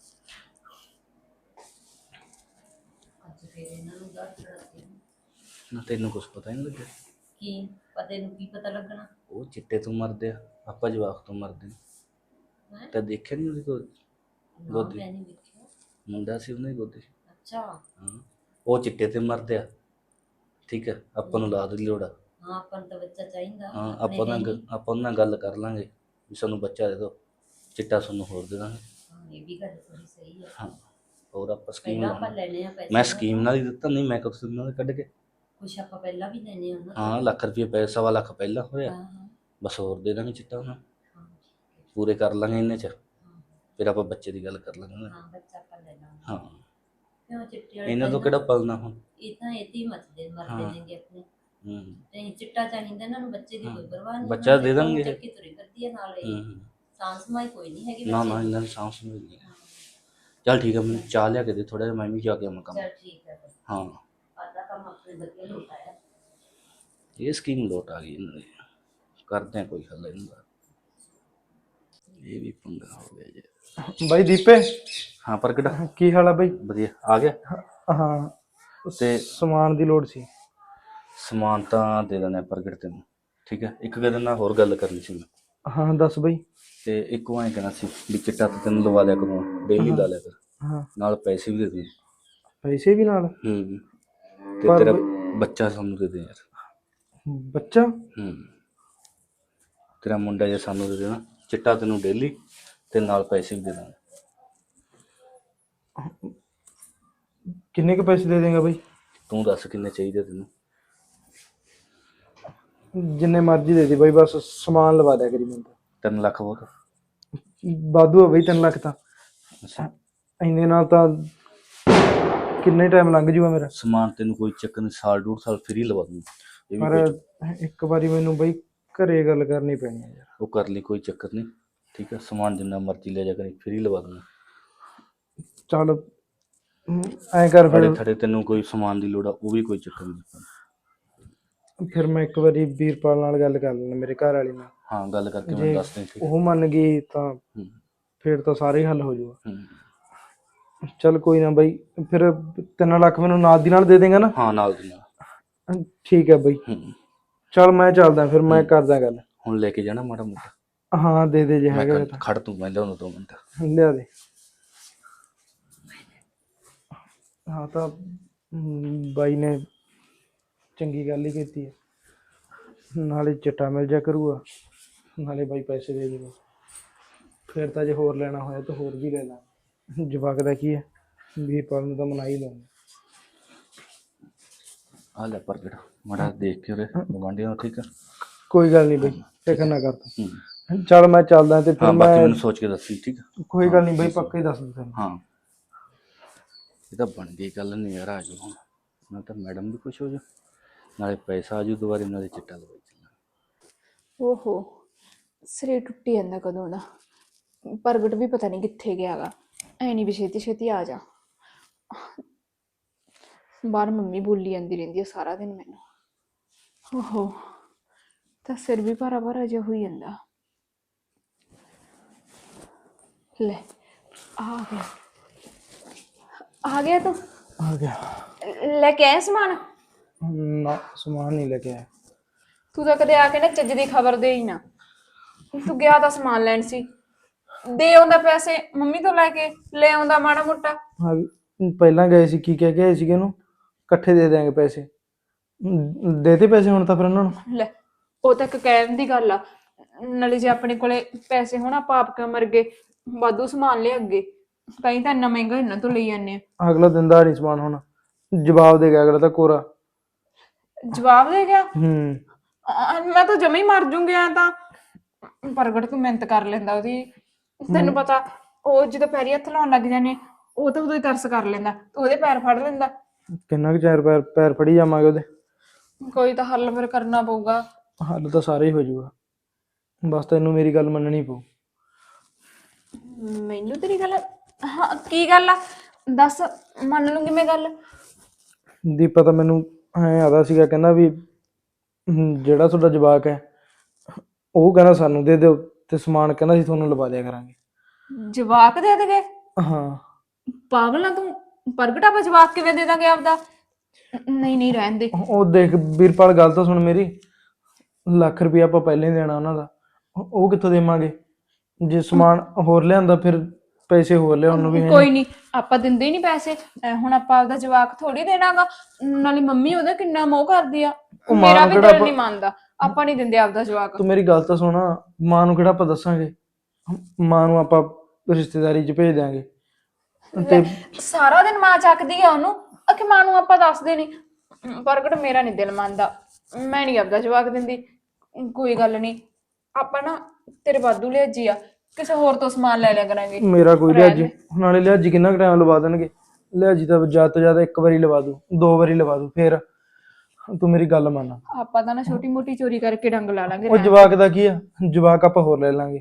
ਅੱਜ ਫੇਰ ਇਹਨਾਂ ਨੂੰ ਦਰ ਚੜਾਤੀ।
ਨਾ ਤੈਨੂੰ ਕੁਝ ਪਤਾ ਹੀ ਨਹੀਂ ਲੱਗਿਆ?
ਕੀ ਪਤਾ ਨੂੰ ਕੀ ਪਤਾ ਲੱਗਣਾ?
ਉਹ ਚਿੱਟੇ ਤੋਂ ਮਰਦੇ ਆ, ਆਪਾਂ ਜਵਾਕ ਤੋਂ ਮਰਦੇ ਨੇ।
ਹੈਂ?
ਤਾਂ ਦੇਖਿਆ ਨਹੀਂ ਉਹਦੀ ਕੋਈ
ਨਾ,
ਗੋਦੀ?
ਮੈਂ ਨਹੀਂ ਵੇਖਿਆ।
ਮੁੰਡਾ ਸੀ ਉਹਨੇ ਗੋਦੀ।
ਅੱਛਾ।
ਹਾਂ ਉਹ ਚਿੱਟੇ ਤੇ ਮਰਦੇ ਆ, ਠੀਕ ਹੈ, ਆਪਾਂ ਨੂੰ ਲਾਦ ਦੀ ਲੋੜ ਆ।
ਹਾਂ ਆਪਾਂ ਨੂੰ ਤਾਂ ਬੱਚਾ ਚਾਹੀਦਾ।
ਹਾਂ
ਆਪਣੇ
ਆਪਾਂ ਨਾਲ
ਹੈ
ਗ-
ਨੀ।
ਆਪਾਂ ਉਹਨਾਂ ਨਾਲ ਗੱਲ ਕਰ ਲਾਂਗੇ ਵੀ ਸਾਨੂੰ ਬੱਚਾ ਦੇ ਦਿਓ, ਚਿੱਟਾ ਸਾਨੂੰ ਹੋਰ ਦੇ ਦਾਂਗੇ।
ਹਾਂ ਇਹ ਵੀ ਗੱਲ ਥੋੜੀ ਸਹੀ ਹੈ।
ਹਾਂ ਹੋਰ ਆਪਾਂ ਸਕੀਮ
ਪਹਿਲਾਂ ਆਪਾਂ
ਲਾਵਾਂਗੇ।
ਲੈਣੇ ਆ ਪੈਸੇ।
ਮੈਂ ਸਕੀਮ ਨਾਲ ਹੀ ਦਿੱਤਾ, ਨਹੀਂ ਮੈਂ ਕੁਛ ਉਹਨਾਂ ਦੇ ਕੱਢ ਕੇ।
ਕੁਛ ਆਪਾਂ ਪਹਿਲਾਂ ਵੀ ਲੈਣੇ ਆ ਉਹਨਾਂ ਤੋਂ।
ਹਾਂ ਲੱਖ ਰੁਪਏ ਪੈਸਾ, ਸਵਾ ਲੱਖ ਪਹਿਲਾਂ ਹੋਇਆ,
ਹਾਂ ਹਾਂ
ਬਸ ਹੋਰ ਦੇ ਦਾਂਗੇ ਚਿੱਟਾ ਉਹਨਾਂ ਨੂੰ।
ਹਾਂ, ਠੀਕ ਹੈ।
ਪੂਰੇ ਕਰ ਲਾਂਗੇ ਇੰਨੇ ਚ,
ਹਾਂ
ਫਿਰ ਆਪਾਂ ਬੱਚੇ ਦੀ ਗੱਲ ਕਰ ਲਾਂਗੇ।
ਹਾਂ ਬੱਚਾ ਆਪਾਂ ਲੈ ਲਾਂਗੇ।
ਹਾਂ
ਕਿਉਂ ਚਿੱਟੇ ਵਾਲੇ
ਇਹਨਾਂ ਤੋਂ
ਪਹਿਲਾਂ-
ਕਿਹੜਾ ਪਲਣਾ ਹੁਣ।
ਇਹ ਤਾਂ ਇਹਦੀ ਮੱਚਦੇ ਮਰਦੇ
ਹਾਂ।
ਨੇਗੇ ਆਪਣੇ।
ਹੂੰ
ਨਹੀਂ ਚਿੱਟਾ ਚਾਹੀਦਾ ਇਹਨਾਂ ਨੂੰ, ਬੱਚੇ ਦੀ
ਹਾਂ।
ਕੋਈ ਪਰਵਾਹ ਨਹੀਂ।
ਬੱਚਾ ਦੇ ਦੇਣਗੇ।
ਚੱਕੀ ਤੁਰੀ ਕਰਦੀ ਹੈ ਨਾਲ ਇਹ।
ਹੂੰ
ਸਾਂਸ ਸਮਾਈ ਕੋਈ ਨਹੀਂ ਹੈਗੀ
ਨਾ
ਬੱਚੇ
ਨਾ
ਦੀ।
ਇਹਨਾਂ ਦੀ ਸਾਂਭ ਸਮਝ ਨਹੀਂ। ਚੱਲ ਠੀਕ ਹੈ, ਮੈਨੂੰ ਚਾਹ ਲਿਆ ਕੇ ਦੇ ਥੋੜਾ ਜਿਹਾ, ਮੈਂ ਵੀ ਜਾ ਕੇ ਆਵਾਂ ਕੰਮ।
ਚੱਲ ਠੀਕ ਹੈ ਫਿਰ।
ਹਾਂ
ਆਧਾ ਕੰਮ ਆਪਣੇ ਵਧੀਆ ਲੁਟਾਇਆ।
ਇਹ ਸਕੀਮ ਲੋਟ ਆ ਗਈ ਇਹਨਾਂ ਦੀ, ਕਰਦੇ ਆ ਕੋਈ ਹੱਲ ਇਹਨਾਂ ਦਾ। ਇਹ ਵੀ ਪੰਗਾ ਹੋ ਗਿਆ ਜੀ।
ਬਾਈ ਦੀਪੇ,
ਹਾਂ ਪ੍ਰਗਟ
ਕੀ ਹਾਲ ਆ ਬਾਈ?
ਵਧੀਆ ਆ ਗਿਆ।
ਹਾਂ
ਤੇ
ਸਮਾਨ ਦੀ ਲੋੜ ਸੀ।
ਸਮਾਨ ਤਾਂ ਦੇ ਦਿੰਦੇ ਆ ਪ੍ਰਗਟ ਤੈਨੂੰ, ਠੀਕ ਹੈ। ਇੱਕ ਗੱਲ ਨਾਲ ਹੋਰ ਗੱਲ ਕਰਨੀ ਸੀ ਮੈਂ।
ਹਾਂ ਦੱਸ ਬਾਈ।
ਤੇ ਇੱਕ ਉਹ ਐਂ ਕਹਿਣਾ ਸੀ ਵੀ ਚਿੱਟਾ ਤਾਂ ਤੈਨੂੰ ਲਵਾ ਲਿਆ ਕਰੂੰ, ਡੇਲੀ ਲਾ ਲਿਆ ਕਰ,
ਹਾਂ
ਨਾਲ ਪੈਸੇ ਵੀ ਦੇ ਦੇ।
ਪੈਸੇ ਵੀ ਨਾਲ?
ਹੂੰ ਤੇ
ਪਰ
ਤੇਰਾ
ਬਈ-
ਬੱਚਾ ਸਾਨੂੰ ਦੇ ਦੇ ਯਾਰ।
ਬੱਚਾ?
ਹੂੰ ਤੇਰਾ ਮੁੰਡਾ ਜੇ ਸਾਨੂੰ ਦੇ ਦੇਣਾ, ਚਿੱਟਾ ਤੈਨੂੰ ਡੇਲੀ ਤੇ ਨਾਲ ਪੈਸੇ ਵੀ ਦੇ ਦਾਂਗੇ।
ਕਿੰਨੇ ਕੁ ਪੈਸੇ ਦੇ ਦੇਗਾ ਬਾਈ?
ਤੂੰ ਦੱਸ ਕਿੰਨੇ ਚਾਹੀਦੇ ਤੈਨੂੰ?
ਜਿੰਨੇ ਮਰਜ਼ੀ ਦੇ ਦੇ ਬਾਈ, ਬਸ ਸਮਾਨ ਲਵਾ ਦਿਆ ਕਰੀ ਮੈਨੂੰ ਤਾਂ।
ਤਿੰਨ ਲੱਖ ਬਹੁਤ?
ਵਾਧੂ ਆ ਬਾਈ, ਤਿੰਨ ਲੱਖ ਤਾਂ।
ਅੱਛਾ
ਇੰਨੇ ਨਾਲ ਤਾਂ ਕਿੰਨੇ ਟਾਈਮ ਲੰਘ ਜੂਗਾ ਮੇਰਾ।
ਸਮਾਨ ਤੈਨੂੰ ਕੋਈ ਚੱਕਰ ਨਹੀਂ, ਸਾਲ ਡੂਢ ਸਾਲ ਫਰੀ ਲਵਾ ਦੂੰ। ਇਹ ਵੀ
ਪਰ
ਕੋਈ ਚੱਕਰ-
ਇੱਕ ਵਾਰੀ ਮੈਨੂੰ ਬਾਈ ਘਰੇ ਗੱਲ ਕਰਨੀ ਪੈਣੀ ਹੈ ਯਾਰ।
ਉਹ ਕਰ ਲਈ, ਕੋਈ ਚੱਕਰ ਨਹੀਂ, ਠੀਕ ਹੈ। ਸਮਾਨ ਜਿੰਨਾ ਮਰਜ਼ੀ ਲੈ ਜਾ ਕਰੀ, ਫਰੀ ਲਵਾ ਦੂੰਗਾ।
ਚੱਲ ਐਂ ਕਰ
ਥੜੇ
ਫਿਰ
ਥੜੇ ਤੈਨੂੰ ਕੋਈ ਸਮਾਨ ਦੀ ਲੋੜ ਆ, ਉਹ ਵੀ ਕੋਈ ਚੱਕਰ ਨਹੀਂ।
ਫਿਰ ਮੈਂ ਇੱਕ ਵਾਰੀ ਵੀਰਪਾਲ ਨਾਲ ਗੱਲ ਕਰ ਲੈਣਾ, ਮੇਰੇ ਘਰ ਵਾਲੀ ਨਾਲ।
ਹਾਂ ਗੱਲ ਕਰਕੇ
ਜੇ
ਮੈਨੂੰ ਦੱਸ ਦੇ, ਠੀਕ ਹੈ।
ਉਹ ਮੰਨ ਗਈ ਤਾਂ
ਹੂੰ
ਫਿਰ ਤਾਂ ਸਾਰੇ ਹੀ ਹੱਲ ਹੋ ਜਾਊਗਾ।
ਹੂੰ
ਚੱਲ ਕੋਈ ਨਾ ਬਾਈ, ਫਿਰ ਤਿੰਨ ਲੱਖ ਮੈਨੂੰ ਨਾਲ ਦੀ ਨਾਲ ਦੇ ਦੇਗਾ ਨਾ?
ਹਾਂ ਨਾਲ ਦੀ ਨਾਲ।
ਠੀਕ ਹੈ ਬਾਈ,
ਹੂੰ
ਚੱਲ ਮੈਂ ਚੱਲਦਾ, ਫਿਰ ਮੈਂ ਕਰਦਾ ਗੱਲ।
ਹੁਣ ਲੈ ਕੇ ਜਾਣਾ ਮਾੜਾ ਮੋਟਾ?
ਹਾਂ ਦੇ ਦੇ ਜੇ
ਮੈਂ
ਹੈਗਾ
ਖੜ- ਖੜ ਤੂੰ, ਮੈਂ ਲਿਆਉਂਦਾ ਦੋ ਮਿੰਟ।
ਤਾਂ ਲਿਆ ਦੇ। ਹਾਂ ਤਾਂ ਹਮ, ਬਾਈ ਨੇ ਚੰਗੀ ਗੱਲ ਹੀ ਕੀਤੀ ਹੈ। ਨਾਲੇ ਚਿੱਟਾ ਮਿਲ ਜਾ ਕਰੂਗਾ, ਨਾਲੇ ਬਾਈ ਪੈਸੇ ਦੇ ਦੇਗਾ। ਫਿਰ ਤਾਂ ਜੇ ਹੋਰ ਲੈਣਾ ਹੋਇਆ ਤਾਂ ਹੋਰ ਵੀ ਲੈ ਲਾਂ। ਜਵਾਕ ਦਾ ਕੀ ਹੈ, ਵੀਰਪਾਲ ਨੂੰ ਤਾਂ ਮਨਾ ਹੀ ਲੈਣਾ।
ਆ ਲੈ ਪ੍ਰਗਟ ਮਾੜਾ ਦੇਖ ਕੇ ਉਹਦੇ ਗਵਾਂਢੀਆਂ ਨੂੰ, ਠੀਕ ਆ?
ਕੋਈ ਗੱਲ ਨਹੀਂ ਬਈ, ਫਿਕਰ ਨਾ ਕਰ
ਹੂੰ।
ਤੂੰ। ਚੱਲ ਮੈਂ ਚੱਲਦਾ ਤੇ ਫਿਰ
ਹਾਂ ਬਾਕੀ
ਮੈਂ
ਮੈਨੂੰ ਸੋਚ ਕੇ ਦੱਸੀ, ਠੀਕ ਆ?
ਕੋਈ ਗੱਲ ਨਹੀਂ ਬਈ, ਪੱਕਾ ਹੀ ਦੱਸ ਦੂੰ ਤੈਨੂੰ।
ਹਾਂ ਇਹ ਤਾਂ ਬਣ ਗਈ ਗੱਲ, ਨਜ਼ਾਰਾ ਆ ਜਾਊ ਹੁਣ। ਨਾਲ ਤਾਂ ਮੈਡਮ ਵੀ ਖੁਸ਼ ਹੋ ਜਾ, ਨਾਲੇ ਪੈਸਾ ਆ ਜਾਊ ਦੁਬਾਰੇ, ਨਾਲੇ ਚਿੱਟਾ ਲਵਾਈ ਚੱਲਾਂ।
ਓਹੋ, ਸਿਰੇ ਟੁੱਟੀ ਜਾਂਦਾ ਕਦੋਂ ਦਾ। ਪ੍ਰਗਟ ਵੀ ਪਤਾ ਨਹੀਂ ਕਿੱਥੇ ਗਿਆ ਗਾ। ਐ ਨਹੀਂ ਵੀ ਛੇਤੀ ਛੇਤੀ ਆ ਜਾ। ਬਾਹਰ ਮੰਮੀ ਬੋਲੀ ਜਾਂਦੀ ਰਹਿੰਦੀ ਹੈ ਸਾਰਾ ਦਿਨ ਮੈਨੂੰ। ਓਹੋ, ਤਾਂ ਸਿਰ ਵੀ ਭਾਰਾ ਭਾਰਾ ਜਿਹਾ ਹੋਈ ਜਾਂਦਾ। ਲੈ ਆ ਗਿਆ, ਆ ਗਿਆ ਤੂੰ।
ਆ ਗਿਆ।
ਲੈ ਕੇ ਆਇਆ ਸਮਾਨ?
ਨਾ ਸਮਾਨ ਨਹੀਂ ਲੈ ਕੇ ਆਇਆ।
ਤੂੰ ਤਾਂ ਕਦੇ ਆ ਕੇ ਨਾ ਚੱਜ ਦੀ ਖਬਰ ਦੇ ਹੀ ਨਾ। ਤੂੰ ਗਿਆ ਤਾਂ ਸਮਾਨ ਲੈਣ ਸੀ, ਦੇ ਆਉਂਦਾ ਪੈਸੇ ਮੰਮੀ ਤੋਂ ਲੈ ਕੇ, ਲੈ ਆਉਂਦਾ ਮਾੜਾ ਮੋਟਾ।
ਹਾਂ ਵੀ ਪਹਿਲਾਂ ਗਏ ਸੀ, ਕੀ ਕਹਿ ਕੇ ਆਏ ਸੀਗੇ ਉਹਨੂੰ, ਇਕੱਠੇ ਦੇ ਦਿਆਂਗੇ ਪੈਸੇ। ਦੇਤੇ ਪੈਸੇ ਹੁਣ ਤਾਂ ਫਿਰ ਉਹਨਾਂ ਨੂੰ।
ਲੈ ਉਹ ਤਾਂ ਇੱਕ ਕਹਿਣ ਦੀ ਗੱਲ ਆ, ਨਾਲੇ ਜੇ ਆਪਣੇ ਕੋਲੇ ਪੈਸੇ ਹੋਣ ਆਪਾਂ ਆਪ ਕਿਉਂ ਮਰ ਗਏ, ਵਾਧੂ ਸਮਾਨ ਲਿਆ ਅੱਗੇ, ਕਈ ਤਾਂ ਇੰਨਾ ਮਹਿੰਗਾ ਇਹਨਾਂ ਤੋਂ ਲਈ ਜਾਂਦੇ ਆ।
ਅਗਲਾ ਦਿੰਦਾ ਨਹੀਂ ਸਮਾਨ, ਹੁਣ ਜਵਾਬ ਦੇ ਗਿਆ ਅਗਲਾ ਤਾਂ ਕੋਰਾ।
ਜਵਾਬ ਦੇ ਗਿਆ?
ਹੂੰ।
ਆ, ਮੈਂ ਤਾਂ ਜਮੇ ਹੀ ਮਰ ਜੂੰਗੀ। ਆ ਤਾਂ ਪ੍ਰਗਟ ਤੂੰ ਮਿਹਨਤ ਕਰ ਲੈਂਦਾ ਉਹਦੀ, ਤੈਨੂੰ ਪਤਾ ਉਹ ਜਦੋਂ ਪੈਰੀ ਹੱਥ ਲਾਉਣ ਲੱਗ ਜਾਂਦੇ ਉਹ ਤਾਂ ਉਦੋਂ ਹੀ ਤਰਸ ਕਰ ਲੈਂਦਾ, ਉਹਦੇ ਪੈਰ ਫੜ ਲੈਂਦਾ।
ਕਿੰਨਾ ਕੁ ਚਿਰ ਪੈਰ ਪੈਰ ਫੜੀ ਜਾਵਾਂਗੇ ਉਹਦੇ।
ਕੋਈ ਤਾਂ ਹੱਲ ਫਿਰ ਕਰਨਾ ਪਊਗਾ।
ਹੱਲ ਤਾਂ ਸਾਰੇ ਹੀ ਹੋ ਜਾਊਗਾ, ਬਸ ਤੈਨੂੰ ਮੇਰੀ ਗੱਲ ਮੰਨਣੀ ਪਊ।
ਮੈਨੂੰ ਤੇਰੀ ਗੱਲ, ਹਾਂ ਕੀ ਗੱਲ ਆ ਦੱਸ, ਮੰਨ ਲੂੰਗੀ ਮੈਂ ਗੱਲ।
ਦੀਪਾ ਤਾਂ ਮੈਨੂੰ ਐਂ ਆਦਾ ਸੀਗਾ, ਕਹਿੰਦਾ ਵੀ ਹਮ, ਜਿਹੜਾ ਤੁਹਾਡਾ ਜਵਾਕ ਹੈ ਉਹ ਕਹਿੰਦਾ ਸਾਨੂੰ ਦੇ ਦਿਓ, ਤੇ ਸਮਾਨ ਕਹਿੰਦਾ ਸੀ ਤੁਹਾਨੂੰ ਲਵਾ ਦਿਆ ਕਰਾਂਗੇ।
ਜਵਾਕ ਦੇ ਦੇਗੇ?
ਹਾਂ।
ਪਾਗਲ ਆ ਤੂੰ, ਪ੍ਰਗਟ ਆਪਾਂ ਜਵਾਕ ਕਿਵੇਂ ਦੇ ਦਾਂਗੇ ਆਪਦਾ? ਨਹੀਂ ਨਹੀਂ ਰਹਿਣ ਦੇ।
ਉਹ ਦੇਖ ਵੀਰਪਾਲ, ਗੱਲ ਤਾਂ ਸੁਣ ਮੇਰੀ। ਲੱਖ ਰੁਪਇਆ ਆਪਾਂ ਪਹਿਲਾਂ ਹੀ ਦੇਣਾ ਉਹਨਾਂ ਦਾ, ਉਹ ਕਿੱਥੋਂ ਦੇਵਾਂਗੇ? ਜੇ ਸਮਾਨ ਹੋਰ ਲਿਆਂਦਾ ਫਿਰ ਪੈਸੇ ਹੋਰ ਲਿਆਉਣ ਨੂੰ ਵੀ ਹੈ
ਕੋਈ ਨਹੀਂ, ਆਪਾਂ ਦਿੰਦੇ ਹੀ ਨਹੀਂ ਪੈਸੇ। ਐ ਹੁਣ ਆਪਾਂ ਆਪਦਾ ਜਵਾਕ ਥੋੜੀ ਦੇਣਾਗਾ। ਨਾਲੇ ਮੰਮੀ ਉਹਦਾ ਕਿੰਨਾ ਮੋਹ ਕਰਦੀ ਆ,
ਉਹ ਮਾਂ
ਮੇਰਾ
ਨੂੰ
ਵੀ
ਕਿਹੜਾ
ਦਿਲ ਨਹੀਂ
ਆਪਾਂ-
ਮੰਨਦਾ। ਆਪਾਂ ਨਹੀਂ ਦਿੰਦੇ ਆਪਦਾ ਜਵਾਕ।
ਤੂੰ ਮੇਰੀ ਗੱਲ ਤਾਂ ਸੁਣ, ਮਾਂ ਨੂੰ ਕਿਹੜਾ ਆਪਾਂ ਦੱਸਾਂਗੇ? ਮਾਂ ਨੂੰ ਆਪਾਂ ਰਿਸ਼ਤੇਦਾਰੀ 'ਚ ਭੇਜ ਦਿਆਂਗੇ। ਤੇ
ਸਾਰਾ ਦਿਨ ਮਾਂ ਚੱਕਦੀ ਆ ਉਹਨੂੰ, ਅਖੇ ਮਾਂ ਨੂੰ ਆਪਾਂ ਦੱਸਦੇ ਨਹੀਂ। ਪ੍ਰਗਟ ਮੇਰਾ ਨਹੀਂ ਦਿਲ ਮੰਨਦਾ, ਮੈਂ ਨਹੀਂ ਆਪਦਾ ਜਵਾਕ ਦਿੰਦੀ। ਕੋਈ ਗੱਲ ਨਹੀਂ, ਆਪਾਂ ਨਾ ਤੇਰੇ ਵਾਧੂ ਲਿਆਜੀ ਆ, ਕਿਸੇ ਹੋਰ ਤੋਂ ਸਮਾਨ ਲੈ ਲਿਆ ਕਰਾਂਗੇ।
ਮੇਰਾ ਕੋਈ ਲਿਹਾਜੀ, ਨਾਲੇ ਲਿਹਾਜੀ ਕਿੰਨਾ ਕੁ ਟਾਈਮ ਲਵਾ ਦੇਣਗੇ? ਲਿਹਾਜੀ ਤਾਂ ਜ਼ਿਆਦਾ ਤੋਂ ਜ਼ਿਆਦਾ ਇੱਕ ਵਾਰੀ ਲਵਾ ਦੂ, ਦੋ ਵਾਰੀ ਲਵਾ ਦੂ, ਫਿਰ ਤੂੰ ਮੇਰੀ ਗੱਲ ਮੰਨ।
ਆਪਾਂ ਤਾਂ ਨਾ ਛੋਟੀ ਮੋਟੀ ਚੋਰੀ ਕਰਕੇ ਡੰਗ ਲਾ ਲਾਂਗੇ।
ਉਹ ਜਵਾਕ ਦਾ ਕੀ ਆ, ਜਵਾਕ ਆਪਾਂ ਹੋਰ ਲੈ ਲਾਂਗੇ।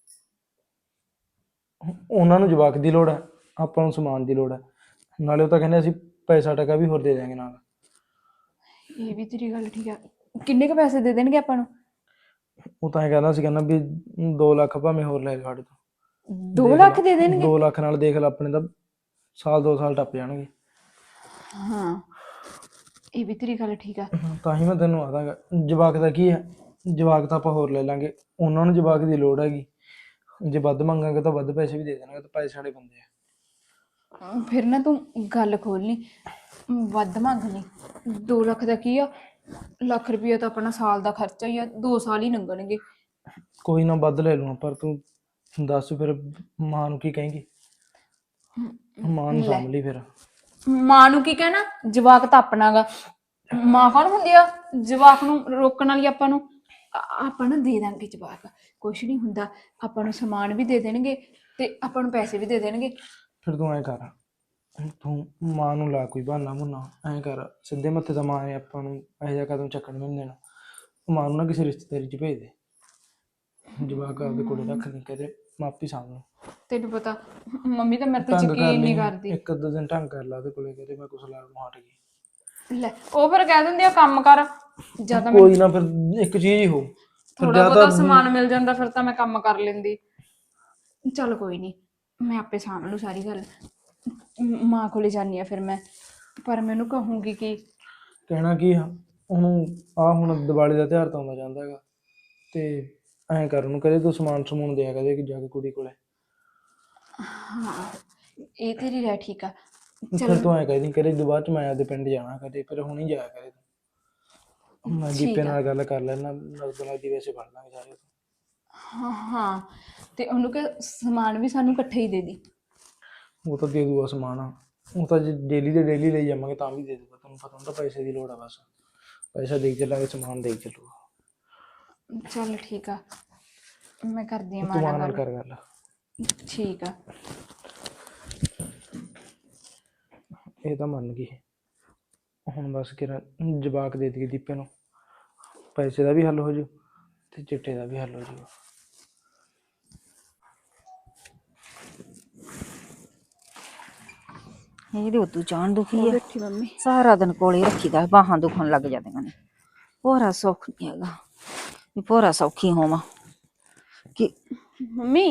ਉਹਨਾਂ ਨੂੰ ਜਵਾਕ ਦੀ ਲੋੜ ਹੈ, ਆਪਾਂ ਨੂੰ ਸਮਾਨ ਦੀ ਲੋੜ ਹੈ। ਨਾਲੇ ਉਹ ਤਾਂ ਕਹਿੰਦੇ ਅਸੀਂ ਪੈਸਾ ਟਕਾ ਵੀ ਹੋਰ ਦੇ ਦਿਆਂਗੇ ਨਾਲ।
ਇਹ ਵੀ ਤੇਰੀ ਗੱਲ ਠੀਕ ਆ। ਕਿੰਨੇ ਕ ਪੈਸੇ ਦੇ ਦੇਣਗੇ ਆਪਾਂ ਨੂੰ?
ਉਹ ਤਾਂ ਇਹ ਕਹਿੰਦਾ ਸੀ, ਕਹਿੰਦਾ ਵੀ ਦੋ ਲੱਖ ਭਾਵੇਂ ਹੋਰ ਲੈ ਸਾਡੇ ਤੋਂ।
ਦੋ ਲੱਖ ਦੇ ਦੇਣਗੇ?
ਦੋ ਲੱਖ ਨਾਲ ਦੇਖ ਲੈ, ਆਪਣੇ ਤਾਂ ਸਾਲ ਦੋ ਸਾਲ ਟੱਪ ਜਾਣਗੇ।
ਹਾਂ ਇਹ ਵੀ ਤੇਰੀ ਗੱਲ ਠੀਕ ਆ।
ਤਾਂ ਹੀ ਮੈਂ ਤੈਨੂੰ ਆਦਾਂਗਾ, ਜਵਾਕ ਦਾ ਕੀ ਹੈ, ਜਵਾਕ ਤਾਂ ਆਪਾਂ ਹੋਰ ਲੈ ਲਾਂਗੇ। ਉਹਨਾਂ ਨੂੰ ਜਵਾਕ ਦੀ ਲੋੜ ਹੈਗੀ, ਜੇ ਵੱਧ ਮੰਗਾਂਗੇ ਤਾਂ ਵੱਧ ਪੈਸੇ ਵੀ ਦੇ ਦੇਣਗੇ, ਤਾਂ ਪੈਸੇ ਸਾਡੇ ਬੰਦੇ ਆ।
ਫਿਰ ਨਾ ਤੂੰ ਗੱਲ ਖੋਲਣੀ, ਵੱਧ ਮੰਗ ਲਈ। ਦੋ ਲੱਖ ਦਾ ਕੀ ਆ, ਲੱਖ ਰੁਪਈਆ ਤਾਂ ਆਪਣਾ ਸਾਲ ਦਾ ਖਰਚਾ ਹੀ ਆ, ਦੋ ਸਾਲ ਹੀ ਲੰਘਣਗੇ।
ਕੋਈ ਨਾ ਵੱਧ ਲੈ ਲੂੰ, ਪਰ ਤੂੰ ਦੱਸ ਫਿਰ ਮਾਂ ਨੂੰ ਕੀ ਕਹੇਂਗੀ? ਮਾਂ ਨੂੰ ਸਾਂਭ ਲਈ ਫਿਰ।
ਮਾਂ ਨੂੰ ਕੀ ਕਹਿਣਾ, ਜਵਾਕ ਤਾਂ ਆਪਣਾ ਗਾ। ਮਾਂ ਕੌਣ ਹੁੰਦੀ ਆ ਜਵਾਕ ਨੂੰ ਰੋਕਣ ਵਾਲੀ? ਆਪਾਂ ਨੂੰ ਆ- ਆਪਾਂ ਨਾ ਦੇ ਦਾਂਗੇ ਜਵਾਕ, ਕੁਛ ਨਹੀਂ ਹੁੰਦਾ। ਆਪਾਂ ਨੂੰ ਸਮਾਨ ਵੀ ਦੇ ਦੇਣਗੇ ਤੇ ਆਪਾਂ ਨੂੰ ਪੈਸੇ ਵੀ ਦੇ ਦੇਣਗੇ।
ਫਿਰ ਤੂੰ ਐਂ ਕਰ, ਤੂੰ ਮਾਂ ਨੂੰ ਲਾ ਕੋਈ ਬਹਾਨਾ ਬੁਨਾ, ਐਂ ਕਰ ਸਿੱਧੇ ਮੱਥੇ ਤਾਂ ਮਾਂ ਨੇ ਆਪਾਂ ਨੂੰ ਇਹੋ ਜਿਹਾ ਕਦਮ ਚੱਕਣ ਨਹੀਂ ਦੇਣਾ। ਮਾਂ ਨੂੰ ਨਾ ਕਿਸੇ ਰਿਸ਼ਤੇਦਾਰੀ 'ਚ ਭੇਜ ਦੇ, ਜਵਾਕ ਆਪਦੇ ਕੋਲੇ ਰੱਖ ਲਈ, ਕਹਦੇ ਮਾਪੀ ਸਾਂਭ ਲਓ।
ਤੈਨੂੰ ਪਤਾ ਮੰਮੀ ਤਾਂ ਮੇਰੇ ਤੇ
ਢੰਗ ਕਰ
ਯਕੀਨ
ਲਈ,
ਨਹੀਂ ਕਰਦੀ।
ਇੱਕ ਅੱਧਾ ਦਿਨ ਢੰਗ ਕਰ ਲਾ ਉਹਦੇ ਕੋਲੇ, ਕਹਦੇ ਮੈਂ ਕੁਛ ਲਾ ਨੂੰ ਹਟ ਗਈ।
ਲੈ ਉਹ ਫਿਰ ਕਹਿ ਦਿੰਦੇ ਆ ਕੰਮ ਕਰ, ਜਿਆਦਾ
ਕੋਈ ਨਾ, ਫਿਰ ਇੱਕ ਚੀਜ਼ ਹੀ ਹੋ,
ਥੋੜਾ ਬਹੁਤਾ ਸਮਾਨ ਮਿਲ ਜਾਂਦਾ ਫਿਰ ਤਾਂ ਮੈਂ ਕੰਮ ਕਰ ਲੈਂਦੀ। ਚੱਲ ਕੋਈ ਨਹੀਂ, ਮੈਂ ਆਪੇ ਸਾਂਭ ਲੂ ਸਾਰੀ ਗੱਲ। ਮ- ਮਾਂ ਕੋਲੇ ਜਾਨੀ ਆ ਫਿਰ ਮੈਂ, ਪਰ ਮੈਨੂੰ ਕਹੂੰਗੀ ਕਿ
ਕਹਿਣਾ ਕੀ ਆ ਉਹਨੂੰ, ਆ ਹੁਣ ਦੀਵਾਲੀ ਦਾ ਤਿਉਹਾਰ ਤਾਂ ਆਉਂਦਾ ਜਾਂਦਾ ਹੈਗਾ, ਤੇ ਐਂ ਕਰ ਉਹਨੂੰ ਕਹਦੇ ਤੂੰ ਸਮਾਨ ਸਮੂਨ ਦਿਆ ਕਦੇ ਜਾ ਕੇ ਕੁੜੀ ਕੋਲੇ।
ਹਾਂ ਇਹ ਤੇਰੀ ਰਹਿ ਠੀਕ ਆ।
ਫਿਰ ਤੂੰ ਐਂ ਕਹਿਦੀ ਕਦੇ ਦੁਬਾਰਾ ਚ ਮੈਂ ਆਪਦੇ ਪਿੰਡ ਜਾਣਾ, ਕਦੇ ਫਿਰ ਹੁਣ ਹੀ ਜਾਇਆ ਕਰੇ ਤੂੰ। ਮੈਂ
ਠੀਕ
ਦੀਪੇ
ਆ।
ਨਾਲ ਗੱਲ ਕਰ ਲੈਣਾ, ਨਗਦ ਨਗਦੀ ਵੈਸੇ ਬਣ ਲਾਂਗੇ ਸਾਰੇ।
ਹਾਂ ਹਾਂ, ਤੇ ਉਹਨੂੰ ਕਿ ਸਮਾਨ ਵੀ ਸਾਨੂੰ ਇਕੱਠੇ ਹੀ ਦੇ ਦੀ।
ਉਹ ਤਾਂ ਦੇ ਦੂਗਾ ਸਮਾਨ, ਉਹ ਤਾਂ ਜੇ ਡੇਲੀ ਦੇ ਡੇਲੀ ਲਈ ਜਾਵਾਂਗੇ ਤਾਂ ਵੀ ਦੇ ਦੂਗਾ। ਤੁਹਾਨੂੰ ਪਤਾ ਹੁੰਦਾ ਪੈਸੇ ਦੀ ਲੋੜ ਆ, ਬਸ ਪੈਸਾ ਦੇ ਚੱਲਾਂਗੇ, ਸਮਾਨ ਦੇ ਚੱਲੂਗਾ।
ਚੱਲ ਠੀਕ ਆ, ਮੈਂ ਕਰਦੀ ਹਾਂ
ਤੂੰ
ਮਾਂ
ਮਾਂ
ਨਾਲ
ਨਾਲ
ਗੱਲ।
ਕਰ ਗੱਲ।
ਠੀਕ ਆ।
ਇਹ ਤਾਂ ਮੰਨ ਗਈ, ਹੁਣ ਬਸ ਕਿਰਾ ਜਵਾਕ ਦੇ ਦਈਏ ਦੀਪੇ ਨੂੰ, ਪੈਸੇ ਦਾ ਵੀ ਹੱਲ ਹੋ ਜੂ ਤੇ ਚਿੱਟੇ ਦਾ ਵੀ ਹੱਲ ਹੋ ਜੂਗਾ।
ਇਹਦੇ ਉਦੋਂ ਜਾਣ ਦੁਖੀ ਹੈ,
ਬੈਠੀ ਮੰਮੀ।
ਸਾਰਾ ਦਿਨ ਕੋਲੇ ਰੱਖੀਦਾ, ਬਾਹਾਂ ਦੁਖਣ ਲੱਗ ਜਾਂਦੀਆਂ ਨੇ। ਭੋਰਾ ਸੌਖ ਨਹੀਂ ਹੈਗਾ ਵੀ ਭੋਰਾ ਸੌਖੀ ਹੋਵਾਂ ਕਿ।
ਮੰਮੀ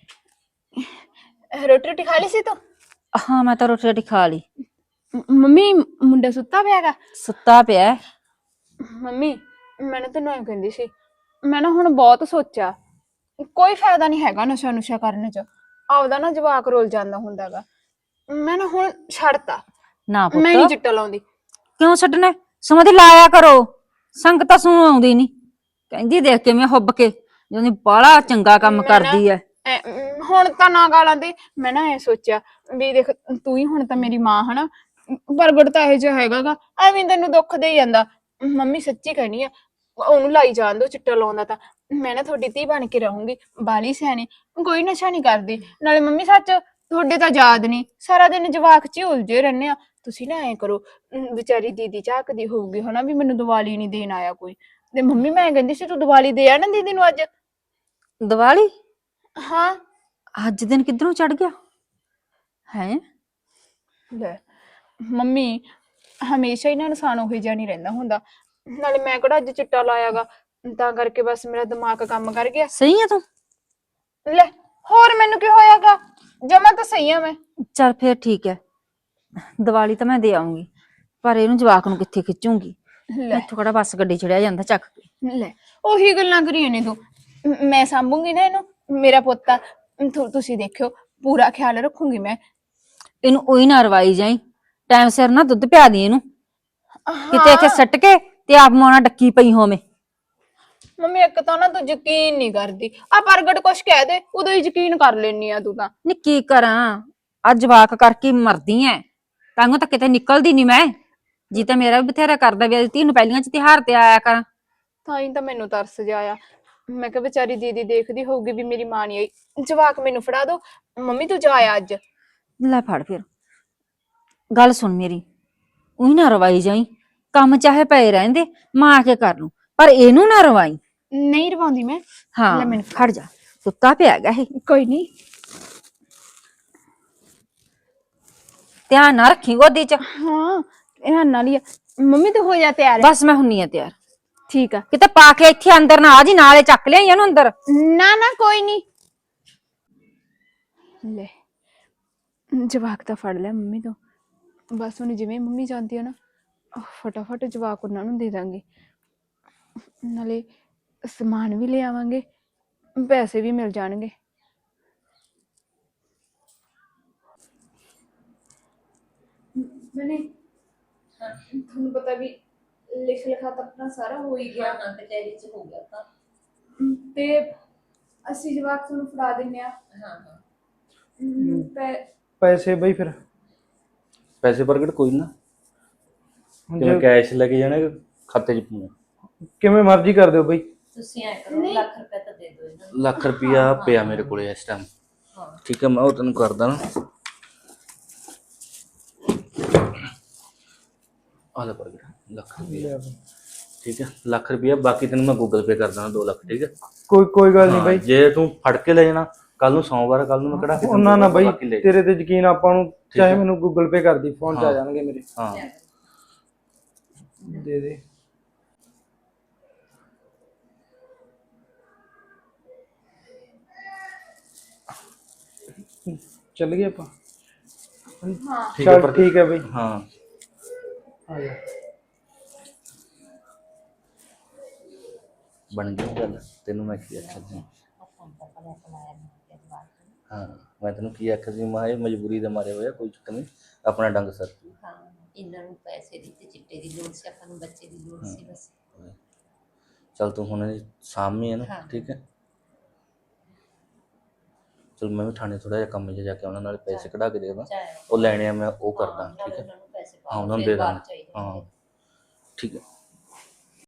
ਰੋਟੀ ਰੋਟੀ ਖਾ ਲਈ ਸੀ ਤੂੰ?
ਹਾਂ ਮੈਂ ਤਾਂ ਰੋਟੀ ਰੋਟੀ ਖਾ ਲਈ।
ਮ- ਮੰਮੀ ਮੁੰਡਾ ਸੁੱਤਾ ਪਿਆ ਹੈਗਾ?
ਸੁੱਤਾ ਪਿਆ ਹੈ।
ਮੰਮੀ ਮੈਂ ਨਾ ਤੈਨੂੰ ਐਂ ਕਹਿੰਦੀ ਸੀ, ਮੈਂ ਨਾ ਹੁਣ ਬਹੁਤ ਸੋਚਿਆ, ਕੋਈ ਫਾਇਦਾ ਨਹੀਂ ਹੈਗਾ ਨਸ਼ਾ ਨੁਸ਼ਾ ਕਰਨ ਚ, ਆਪਦਾ ਨਾ ਜਵਾਕ ਰੁੱਲ ਜਾਂਦਾ ਹੁੰਦਾ ਗਾ। ਮੈਂ ਨਾ ਹੁਣ ਛੱਡਤਾ,
ਨਾ
ਮੈਂ ਨਹੀਂ
ਪੁੱਤ
ਚਿੱਟਾ ਲਾਉਂਦੀ।
ਕਿਉਂ ਛੱਡਣਾ, ਸਮਾਂ ਦੀ ਲਾਇਆ ਕਰੋ, ਸੰਗਤ ਤਾਂ ਸੁਣ ਆਉਂਦੀ ਨਹੀਂ। ਕਹਿੰਦੀ ਦੇਖ ਕੇ ਮੈਂ ਹੁੱਬ ਕੇ ਜਦੋਂ ਬਾਹਲਾ ਚੰਗਾ ਕੰਮ
ਮੈਂ ਨਾ-
ਕਰਦੀ ਐ।
ਐ, ਅਮ, ਹੁਣ ਤਾਂ ਨਾ ਗਾਲਾਂ ਦੇ। ਮੈਂ ਨਾ ਐ ਸੋਚਿਆ ਵੀ ਦੇਖ, ਤੂੰ ਹੀ ਹੁਣ ਤਾਂ ਮੇਰੀ ਮਾਂ ਹਨਾ, ਪ੍ਰਗਟ ਤਾਂ ਇਹੋ ਜਿਹਾ ਹੈਗਾ ਗਾ, ਐਵੇਂ ਤੈਨੂੰ ਦੁੱਖ ਦੇ ਜਾਂਦਾ। ਮੰਮੀ ਸੱਚੀ ਕਹਿਣੀ ਆ, ਉਹਨੂੰ ਲਾਈ ਜਾਣ ਦੋ ਚਿੱਟਾ ਲਾਉਂਦਾ ਤਾਂ, ਮੈਂ ਨਾ ਤੁਹਾਡੀ ਧੀ ਬਣ ਕੇ ਰਹੂੰਗੀ, ਬਾਲੀ ਸਿਆਣੀ, ਕੋਈ ਨਸ਼ਾ ਨਹੀਂ ਕਰਦੀ। ਨਾਲੇ ਮੰਮੀ ਸੱਚ ਤੁਹਾਡੇ ਤਾਂ ਯਾਦ ਨਹੀਂ, ਸਾਰਾ ਦਿਨ ਜਵਾਕ ਚ ਹੀ ਉਲਝੇ ਰਹਿੰਦੇ ਆ। ਤੁਸੀਂ ਨਾ ਐਂ ਕਰੋ, ਅਮ, ਵਿਚਾਰੀ ਦੀਦੀ ਝਾਕਦੀ ਹੋਊਗੀ ਹਨਾ ਵੀ ਮੈਨੂੰ ਦੀਵਾਲੀ ਨਹੀਂ ਦੇਣ ਆਇਆ ਕੋਈ, ਤੇ ਮੰਮੀ ਮੈਂ ਕਹਿੰਦੀ ਸੀ ਤੂੰ ਦੀਵਾਲੀ ਦੇ ਆ ਨਾ ਦੀਦੀ ਨੂੰ ਅੱਜ।
ਦੀਵਾਲੀ
ਹਾਂ
ਅੱਜ ਦਿਨ ਕਿੱਧਰੋਂ ਚੜ ਗਿਆ ਹੈ?
ਲੈ ਮੰਮੀ ਹਮੇਸ਼ਾ ਹੀ ਨਾ ਇਨਸਾਨ ਉਹੀ ਜਿਹਾ ਨਹੀਂ ਰਹਿੰਦਾ ਹੁੰਦਾ, ਨਾਲੇ ਮੈਂ ਕਿਹੜਾ ਅੱਜ ਚਿੱਟਾ ਲਾਇਆਗਾ, ਤਾਂ ਕਰਕੇ ਬਸ ਮੇਰਾ ਦਿਮਾਗ ਕੰਮ ਕਰ ਗਿਆ।
ਸਹੀ ਆ ਤੂੰ?
ਲੈ ਹੋਰ ਮੈਨੂੰ ਕੀ ਹੋਇਆਗਾ, ਜਮਾ ਤਾਂ ਸਹੀ ਆ ਮੈਂ।
ਚੱਲ ਫੇਰ ਠੀਕ ਹੈ, ਦੀਵਾਲੀ ਤਾਂ ਮੈਂ ਦੇ ਆਉਂਗੀ, ਪਰ ਇਹਨੂੰ ਜਵਾਕ ਨੂੰ ਕਿੱਥੇ ਖਿੱਚੂੰਗੀ?
ਲੈ
ਇੱਥੋਂ ਕਿਹੜਾ ਬੱਸ ਗੱਡੀ ਚੜਿਆ ਜਾਂਦਾ ਚੱਕ ਕੇ।
ਲੈ ਉਹੀ ਗੱਲਾਂ ਕਰੀ ਨੇ ਤੂੰ, ਮ- ਮੈਂ ਸਾਂਭੂਗੀ ਨਾ ਇਹਨੂੰ, ਮੇਰਾ ਪੁੱਤ ਆ, ਤੁ- ਤੁਸੀਂ ਦੇਖਿਓ ਪੂਰਾ ਖਿਆਲ ਰੱਖੂੰਗੀ ਮੈਂ।
ਇਹਨੂੰ ਉਹੀ ਨਾ ਰਵਾਈ ਜਾਈ, ਟਾਈਮ ਸਿਰ ਨਾ ਦੁੱਧ ਪਿਆ ਦੀ ਇਹਨੂੰ, ਕਿਤੇ
ਹਾਂ
ਇੱਥੇ ਸੱਟ ਕੇ ਤੇ ਆਪ ਮੋਣਾ ਡੱਕੀ ਪਈ ਹੋਵੇਂ।
ਮੰਮੀ ਇੱਕ ਤਾਂ ਨਾ ਤੂੰ ਯਕੀਨ ਨਹੀਂ ਕਰਦੀ, ਆ ਪ੍ਰਗਟ ਕੁਛ ਕਹਿ ਦੇ ਉਦੋਂ ਹੀ ਯਕੀਨ ਕਰ ਲੈਨੀ ਆ ਤੂੰ ਤਾਂ।
ਨੀ ਕੀ ਕਰਾਂ, ਅੱਜ ਜਵਾਕ ਕਰਕੇ ਮਰਦੀ ਐ, ਤਾਂਗੋ ਤਾਂ ਕਿਤੇ ਨਿਕਲਦੀ ਨਹੀਂ ਮੈਂ। ਜੀ ਤਾਂ ਮੇਰਾ ਵੀ ਬਥੇਰਾ ਕਰਦਾ ਵੀ ਧੀ ਨੂੰ ਪਹਿਲੀਆਂ ਚ ਤਿਉਹਾਰ ਤੇ ਆਇਆ ਕਰਾਂ।
ਤਾਂ ਹੀ ਤਾਂ ਮੈਨੂੰ ਤਰਸ ਜਿਹਾ ਆਇਆ, ਮੈਂ ਕਿਹਾ ਵਿਚਾਰੀ ਦੀਦੀ ਦੇਖਦੀ ਹੋਊਗੀ ਵੀ ਮੇਰੀ ਮਾਂ ਨਹੀਂ ਆਈ, ਜਵਾਕ ਮੈਨੂੰ ਫੜਾ ਦੋ, ਮੰਮੀ ਤੂੰ ਜਾ ਆ ਅੱਜ।
ਲੈ ਫੜ ਫਿਰ, ਗੱਲ ਸੁਣ ਮੇਰੀ, ਉਹੀ ਨਾ ਰਵਾਈ ਜਾਈ, ਕੰਮ ਚਾਹੇ ਪਏ ਰਹਿੰਦੇ ਮਾਂ ਆ ਕੇ ਕਰ ਲੂ, ਪਰ ਇਹਨੂੰ ਨਾ ਰਵਾਈ।
ਨਹੀਂ ਰਵਾਉਂਦੀ ਮੈਂ। ਲੈ
ਹਾਂ
ਮੈਨੂੰ
ਖੜ ਜਾ, ਸੁੱਤਾ ਪਿਆ ਹੈਗਾ ਇਹ,
ਕੋਈ ਨਹੀਂ।
ਧਿਆਨ ਨਾ ਰੱਖੀ ਗੋਦੀ ਚ।
ਹਾਂ ਇਹ ਨਾਲ ਹੀ ਆ। ਮੰਮੀ ਤੂੰ ਹੋ ਜਾ ਤਿਆਰ।
ਬਸ ਮੈਂ ਹੁੰਨੀ ਆ ਤਿਆਰ।
ਠੀਕ ਆ।
ਕਿਤੇ ਪਾ ਕੇ ਇੱਥੇ ਅੰਦਰ ਨਾ ਆ ਜੀ, ਨਾਲੇ ਚੱਕ ਲਿਆਈ ਇਹਨੂੰ ਅੰਦਰ।
ਨਾ ਨਾ ਕੋਈ ਨਹੀਂ। ਲੈ ਜਵਾਕ ਤਾਂ ਫੜ ਲਿਆ ਮੰਮੀ ਤੋਂ, ਬਸ ਹੁਣ ਜਿਵੇਂ ਮੰਮੀ ਜਾਂਦੀ ਆ ਨਾ, ਫਟਾਫਟ ਜਵਾਕ ਉਹਨਾਂ ਨੂੰ ਦੇ ਦਾਂਗੇ, ਨਾਲੇ ਸਮਾਨ ਵੀ ਲੈ ਆਵਾਂਗੇ, ਪੈਸੇ ਵੀ ਮਿਲ ਜਾਣਗੇ। ਮੈਨੇ ਤੁਹਾਨੂੰ ਪਤਾ ਵੀ ਲਿਖ ਲਿਖਾ ਤਾਂ ਆਪਣਾ ਸਾਰਾ ਹੋ ਹੀ ਗਿਆ,
ਹਾਂ ਕਚਹਿਰੀ ਚ ਹੋ ਗਿਆ ਤਾਂ।
ਤੇ ਅਸੀਂ ਜਵਾਕ ਤੁਹਾਨੂੰ ਫੜਾ ਦਿੰਨੇ ਆ।
ਹਾਂ ਹਾਂ
ਪੈ
ਪੈਸੇ ਬਈ ਫਿਰ
ਪੈਸੇ ਪ੍ਰਗਟ ਕੋਈ ਨਾ,
ਹੁਣ
ਕਿਵੇਂ
ਜੇ
ਕੈਸ਼ ਲੈ ਕੇ ਜਾਣਾ ਕਿ ਖਾਤੇ 'ਚ ਪਾਉਣਾ?
ਕਿਵੇਂ ਮਰਜ਼ੀ ਕਰ ਦਿਓ ਬਈ।
ਤੁਸੀਂ ਐ ਕਰੋ, ਲੱਖ ਰੁਪਏ ਤਾਂ ਦੇ ਦਿਓ ਇਹਨਾਂ ਨੂੰ।
ਲੱਖ ਰੁਪਿਆ ਪਿਆ ਮੇਰੇ ਕੋਲੇ ਇਸ ਟਾਈਮ।
ਹਾਂ
ਠੀਕ ਹੈ, ਮੈਂ ਉਹ ਤੈਨੂੰ ਕਰਦਾ ਨਾ। ਆ ਲੈ ਪ੍ਰਗਟ ਲੱਖ ਰੁਪਿਆ, ਠੀਕ ਹੈ ਲੱਖ ਰੁਪਿਆ, ਬਾਕੀ ਤੈਨੂੰ ਮੈਂ ਗੂਗਲ ਪੇ ਕਰ ਦਾਂ ਦੋ ਲੱਖ, ਠੀਕ ਹੈ।
ਕੋਈ ਕੋਈ ਗੱਲ ਨਹੀਂ
ਹਾਂ,
ਬਈ।
ਜੇ ਤੂੰ ਫੜ ਕੇ ਲੈ ਜਾਣਾ ਕੱਲ ਨੂੰ ਸੋਮਵਾਰ, ਕੱਲ ਨੂੰ ਮੈਂ ਕਿਹੜਾ
ਉਹਨਾਂ ਨਾ ਬਈ, ਤੇਰੇ ਤੇ ਯਕੀਨ ਆਪਾਂ ਨੂੰ, ਚਾਹੇ ਮੈਨੂੰ ਗੂਗਲ ਪੇ ਕਰਦੀ, ਫੋਨ ਚ ਆ ਜਾਣਗੇ ਮੇਰੇ।
ਹਾਂ
ਦੇ ਦੇ। ਚੱਲ ਗਏ ਆਪਾਂ।
ਠੀਕ ਹੈ
ਚੱਲ
ਪ੍ਰਗਟ,
ਠੀਕ ਹੈ ਬਈ,
ਹਾਂ
ਆ ਜਾ।
ਬਣ ਗਈ ਗੱਲ। ਤੈਨੂੰ ਮੈਂ ਕੀ ਆਖਿਆ ਸੀ? ਹਾਂ ਮੈਂ ਤੈਨੂੰ ਕੀ ਆਖਿਆ ਸੀ, ਮੈਂ ਇਹ ਮਜਬੂਰੀ ਦੇ ਮਾਰੇ ਹੋਇਆ, ਕੋਈ ਚੱਕਰ ਨਹੀਂ, ਆਪਣਾ ਡੰਗ ਸਰ।
ਹਾਂ ਇਹਨਾਂ ਨੂੰ ਪੈਸੇ ਦੀ ਤੇ ਚਿੱਟੇ ਦੀ ਲੋੜ ਸੀ, ਆਪਾਂ ਨੂੰ ਬੱਚੇ ਦੀ ਲੋੜ ਸੀ ਬਸ।
ਚੱਲ ਤੂੰ ਹੁਣ ਇਹਦੀ ਸਾਂਭੀ ਹੈ ਨਾ
ਹਾਂ।
ਠੀਕ ਹੈ। ਚਲ ਮੈਂ ਵੀ ਥਾਣੇ ਥੋੜਾ ਜਿਹਾ ਕੰਮ 'ਚ ਜਾ ਕੇ ਉਹਨਾਂ ਨਾਲ ਪੈਸੇ ਕਢਾ ਕੇ ਦੇ ਦਾਂ,
ਚਾਹੇ
ਉਹ ਲੈਣੇ ਆ ਮੈਂ ਉਹ ਕਰਦਾ
ਹਾਂ,
ਠੀਕ
ਨਾਲੇ
ਹੈ।
ਉਹਨਾਂ ਨੂੰ ਪੈਸੇ
ਹਾਂ
ਪਾਓ,
ਉਹਨਾਂ ਨੂੰ
ਫਿਰ
ਦੇ
ਬਾਅਦ
ਦਾਂਗਾ
ਚਾਹੀਦੇ
ਹਾਂ ਠੀਕ ਹੈ।